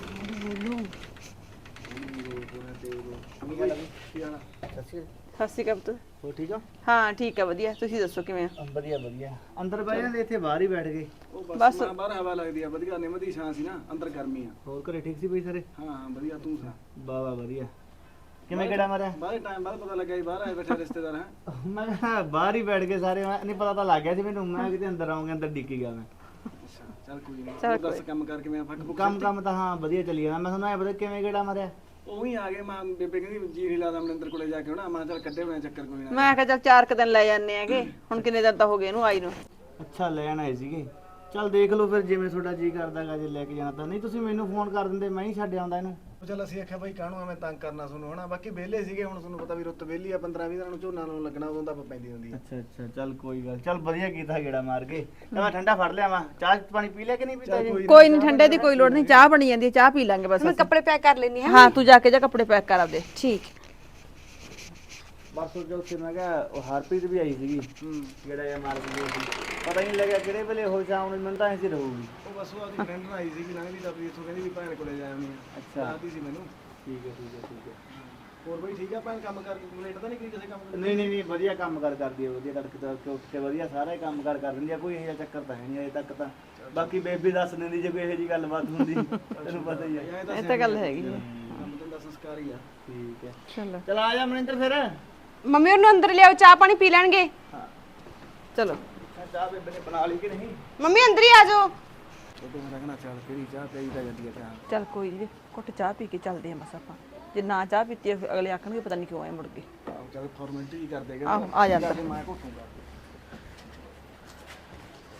Speaker 4: ਸਸੀ ਕਬਤ
Speaker 7: ਹੋ ਠੀਕ ਆ?
Speaker 4: ਹਾਂ ਠੀਕ ਆ ਵਧੀਆ, ਤੁਸੀਂ ਦੱਸੋ ਕਿਵੇਂ ਆ?
Speaker 7: ਵਧੀਆ ਵਧੀਆ। ਅੰਦਰ ਬਹਿ ਜਾਂਦੇ, ਇੱਥੇ ਬਾਹਰ ਹੀ ਬੈਠ ਗਏ।
Speaker 6: ਉਹ ਬਸ ਬਾਹਰ ਹਵਾ ਲੱਗਦੀ ਆ ਵਧੀਆ, ਨਿਮਦੀ ਛਾਂ ਸੀ ਨਾ, ਅੰਦਰ ਗਰਮੀ ਆ।
Speaker 7: ਹੋਰ ਘਰੇ ਠੀਕ ਸੀ ਬਈ ਸਾਰੇ?
Speaker 6: ਹਾਂ ਹਾਂ ਵਧੀਆ, ਤੂੰ ਸੁਣਾ?
Speaker 7: ਵਾਹ ਵਾਹ ਵਧੀਆ। ਕਿਵੇਂ ਕਿਹੜਾ ਮਾਰਿਆ?
Speaker 6: ਬਾਹਰ ਟਾਈਮ ਬਾਅਦ ਪਤਾ ਲੱਗਿਆ ਜੀ ਬਾਹਰ ਆਏ ਬੈਠੇ ਰਿਸ਼ਤੇਦਾਰ ਹੈ।
Speaker 7: ਮੈਂ ਕਿਹਾ ਬਾਹਰ ਹੀ ਬੈਠ ਕੇ ਸਾਰੇ, ਮੈਂ ਨਹੀਂ ਪਤਾ ਤਾਂ ਲੱਗ ਗਿਆ ਸੀ ਮੈਨੂੰ, ਮੈਂ ਕਿਤੇ ਅੰਦਰ ਆਉਂਗਾ, ਅੰਦਰ ਡਿੱਕੀ ਗਿਆ ਮੈਂ।
Speaker 6: ਅੱਛਾ ਚੱਲ ਕੋਈ ਨਹੀਂ, ਦੱਸ ਕੰਮ ਕਰਕੇ ਮੈਂ ਫੱਕ ਫੁੱਕ
Speaker 7: ਕੰਮ ਤਾਂ ਹਾਂ ਵਧੀਆ ਚੱਲੀ ਜਾਂਦਾ। ਮੈਂ ਤੁਹਾਨੂੰ ਐ ਪਤਾ ਕਿਵੇਂ ਕਿਹੜਾ ਮਾਰਿਆ?
Speaker 6: ਉਹੀ ਆ ਗਏ, ਮਾਂ ਬੇਬੇ ਕਹਿੰਦੀ ਜੀ ਨਹੀਂ ਲਾਦਾ ਮਨਿੰਦਰ ਕੋਲੇ ਜਾ ਕੇ ਹੋਣਾ, ਮੈਂ ਚੱਲ ਕੱਢੇ ਬਣਾ ਚੱਕਰ ਕੋਈ ਨਾ।
Speaker 4: ਮੈਂ ਕਿਹਾ ਚੱਲ 4 ਦਿਨ ਲੈ ਜਾਂਦੇ ਆਗੇ, ਹੁਣ ਕਿੰਨੇ ਦਿਨ ਤਾਂ ਹੋ ਗਏ ਇਹਨੂੰ ਆਈ ਨੂੰ।
Speaker 7: ਅੱਛਾ ਲੈਣ ਆਏ ਸੀਗੇ, ਚੱਲ ਦੇਖ ਲਓ ਫਿਰ ਜਿਵੇਂ ਤੁਹਾਡਾ ਜੀ ਕਰਦਾਗਾ, ਜੇ ਲੈ ਕੇ ਜਾਣਾ ਤਾਂ। ਨਹੀਂ ਤੁਸੀਂ ਮੈਨੂੰ ਫੋਨ ਕਰ ਦਿੰਦੇ, ਮੈਂ ਹੀ ਛੱਡ ਆਉਂਦਾ ਇਹਨੂੰ।
Speaker 6: ਚੱਲ ਅਸੀਂ ਆਖਿਆ ਬਾਈ ਕਾਹਨੂੰ ਐਵੇਂ ਤੰਗ ਕਰਨਾ ਤੁਹਾਨੂੰ ਹਨਾ, ਬਾਕੀ ਵਿਹਲੇ ਸੀਗੇ, ਹੁਣ ਤੁਹਾਨੂੰ ਪਤਾ ਵੀ ਰੁੱਤ ਵਿਹਲੀ ਆ, 15-20 ਦਿਨਾਂ ਨੂੰ ਝੋਨਾ ਲਾਉਣ ਲੱਗਣਾ, ਉਦੋਂ ਤਾਂ ਪੈਂਦੀ ਹੁੰਦੀ ਆ।
Speaker 7: ਅੱਛਾ ਅੱਛਾ ਚੱਲ ਕੋਈ ਗੱਲ, ਚੱਲ ਵਧੀਆ ਕੀਤਾ ਗੇੜਾ ਮਾਰ ਕੇ। ਮੈਂ ਠੰਡਾ ਫੜ ਲਿਆ, ਮੈਂ ਚਾਹ ਪਾਣੀ ਪੀ ਲਿਆ ਕਿ ਨਹੀਂ ਪੀਤਾ ਜੀ?
Speaker 4: ਕੋਈ ਨਹੀਂ, ਠੰਡੇ ਦੀ ਕੋਈ ਲੋੜ ਨਹੀਂ, ਚਾਹ ਬਣੀ ਜਾਂਦੀ ਹੈ, ਚਾਹ ਪੀ ਲਾਂਗੇ ਬਸ।
Speaker 2: ਮੈਂ ਕੱਪੜੇ ਪੈਕ ਕਰ ਲੈਣੀ ਹਾਂ।
Speaker 4: ਹਾਂ ਤੂੰ ਜਾ ਕੇ ਜਾ ਕੱਪੜੇ ਪੈਕ ਕਰ ਆਪਦੇ।
Speaker 2: ਠੀਕ।
Speaker 7: ਬਸ ਉਹ ਉੱਥੇ ਮੈਂ ਕਿਹਾ ਉਹ ਹਰਪ੍ਰੀਤ ਵੀ ਆਈ ਸੀਗੀ, ਗੇੜਾ ਜਿਹਾ ਮਾਰ ਕੇ ਗਈ ਸੀ। ਪਤਾ ਹੀ ਨਹੀਂ ਲੱਗਿਆ ਕਿਹੜੇ ਵੇਲੇ ਹੋ ਸ਼ਾਮ ਨੂੰ, ਮੈਨੂੰ ਤਾਂ ਐਂ ਸੀ ਰਹੂਗੀ।
Speaker 6: ਉਹ ਬਸ ਉਹ ਆਪਦੀ ਫਰੈਂਡ ਨਾਲ ਆਈ ਸੀ ਕਿ ਲੰਘਦੀ ਤਾਂ ਵੀ ਇੱਥੋਂ, ਕਹਿੰਦੀ ਵੀ ਭੈਣ ਕੋਲੇ ਜਾ ਆਉਣੀ ਆ।
Speaker 7: ਅੱਛਾ
Speaker 6: ਆਤੀ ਸੀ ਮੈਨੂੰ।
Speaker 7: ਠੀਕ ਹੈ ਠੀਕ ਹੈ ਠੀਕ ਹੈ।
Speaker 6: ਹੋਰ ਬਈ ਠੀਕ ਆ ਭੈਣ, ਕੰਮ ਕਰਕੇ ਕੰਪਲੀਟ ਤਾਂ ਨਹੀਂ ਕੀਤੀ ਕਿਸੇ ਕੰਮ ਦੀ?
Speaker 7: ਨਹੀਂ ਵਧੀਆ ਕੰਮ ਕਰ ਕਰਦੀ ਹੈ, ਵਧੀਆ ਤੜਕੇ ਉੱਠ ਕੇ ਵਧੀਆ ਸਾਰਾ ਕੰਮ ਕਰ ਦਿੰਦੀ ਆ, ਕੋਈ ਇਹੋ ਜਿਹਾ ਚੱਕਰ ਤਾਂ ਹੈ ਨਹੀਂ ਅਜੇ ਤੱਕ ਤਾਂ। ਬਾਕੀ ਬੇਬੀ ਦੱਸ ਦਿੰਦੀ ਜੇ ਕੋਈ ਇਹੋ ਜਿਹੀ ਗੱਲਬਾਤ ਹੁੰਦੀ, ਤੈਨੂੰ ਪਤਾ ਹੀ ਹੈ।
Speaker 4: ਇਹ ਤਾਂ ਗੱਲ ਹੈਗੀ ਹੈ।
Speaker 6: ਕੰਮ ਤਾਂ ਸੰਸਕਾਰ ਹੀ ਆ।
Speaker 7: ਠੀਕ ਹੈ
Speaker 4: ਚਲੋ
Speaker 7: ਚਲ ਆ ਜਾ ਮਨਿੰਦਰ ਫਿਰ।
Speaker 2: ਮੰਮੀ ਉਹਨੂੰ ਅੰਦਰ ਲਿਆਓ, ਚਾਹ ਪਾਣੀ ਪੀ ਲੈਣਗੇ।
Speaker 4: ਚਲੋ
Speaker 7: ਚਾਹ ਬੇਬੇ ਨੇ ਬਣਾ ਲਈ ਕਿ ਨਹੀਂ?
Speaker 2: ਮੰਮੀ ਅੰਦਰ ਹੀ ਆ ਜਾਓ।
Speaker 6: ਉਹ ਤਾਂ ਮੈਂ ਕਹਿੰਦਾ ਚੱਲ ਕਿਹੜੀ ਚਾਹ ਪਈ ਤਾਂ ਜਾਂਦੀ ਆ ਚਾਹ।
Speaker 4: ਚੱਲ ਕੋਈ ਨਹੀਂ, ਘੁੱਟ ਚਾਹ ਪੀ ਕੇ ਚੱਲਦੇ ਆਂ ਬਸ ਆਪਾਂ। ਜੇ ਨਾ ਚਾਹ ਪੀਤੀ ਅਗਲੇ ਆਖਣਗੇ ਪਤਾ ਨਹੀਂ ਕਿਉਂ ਆਏ ਮੁੜ ਕੇ।
Speaker 6: ਚੱਲ ਫਾਰਮੈਲਿਟੀ ਹੀ ਕਰਦੇ
Speaker 4: ਆਹੋ ਆ ਜਾਂਦਾ।
Speaker 6: ਮੈਂ ਘੁੱਟੂਗਾ।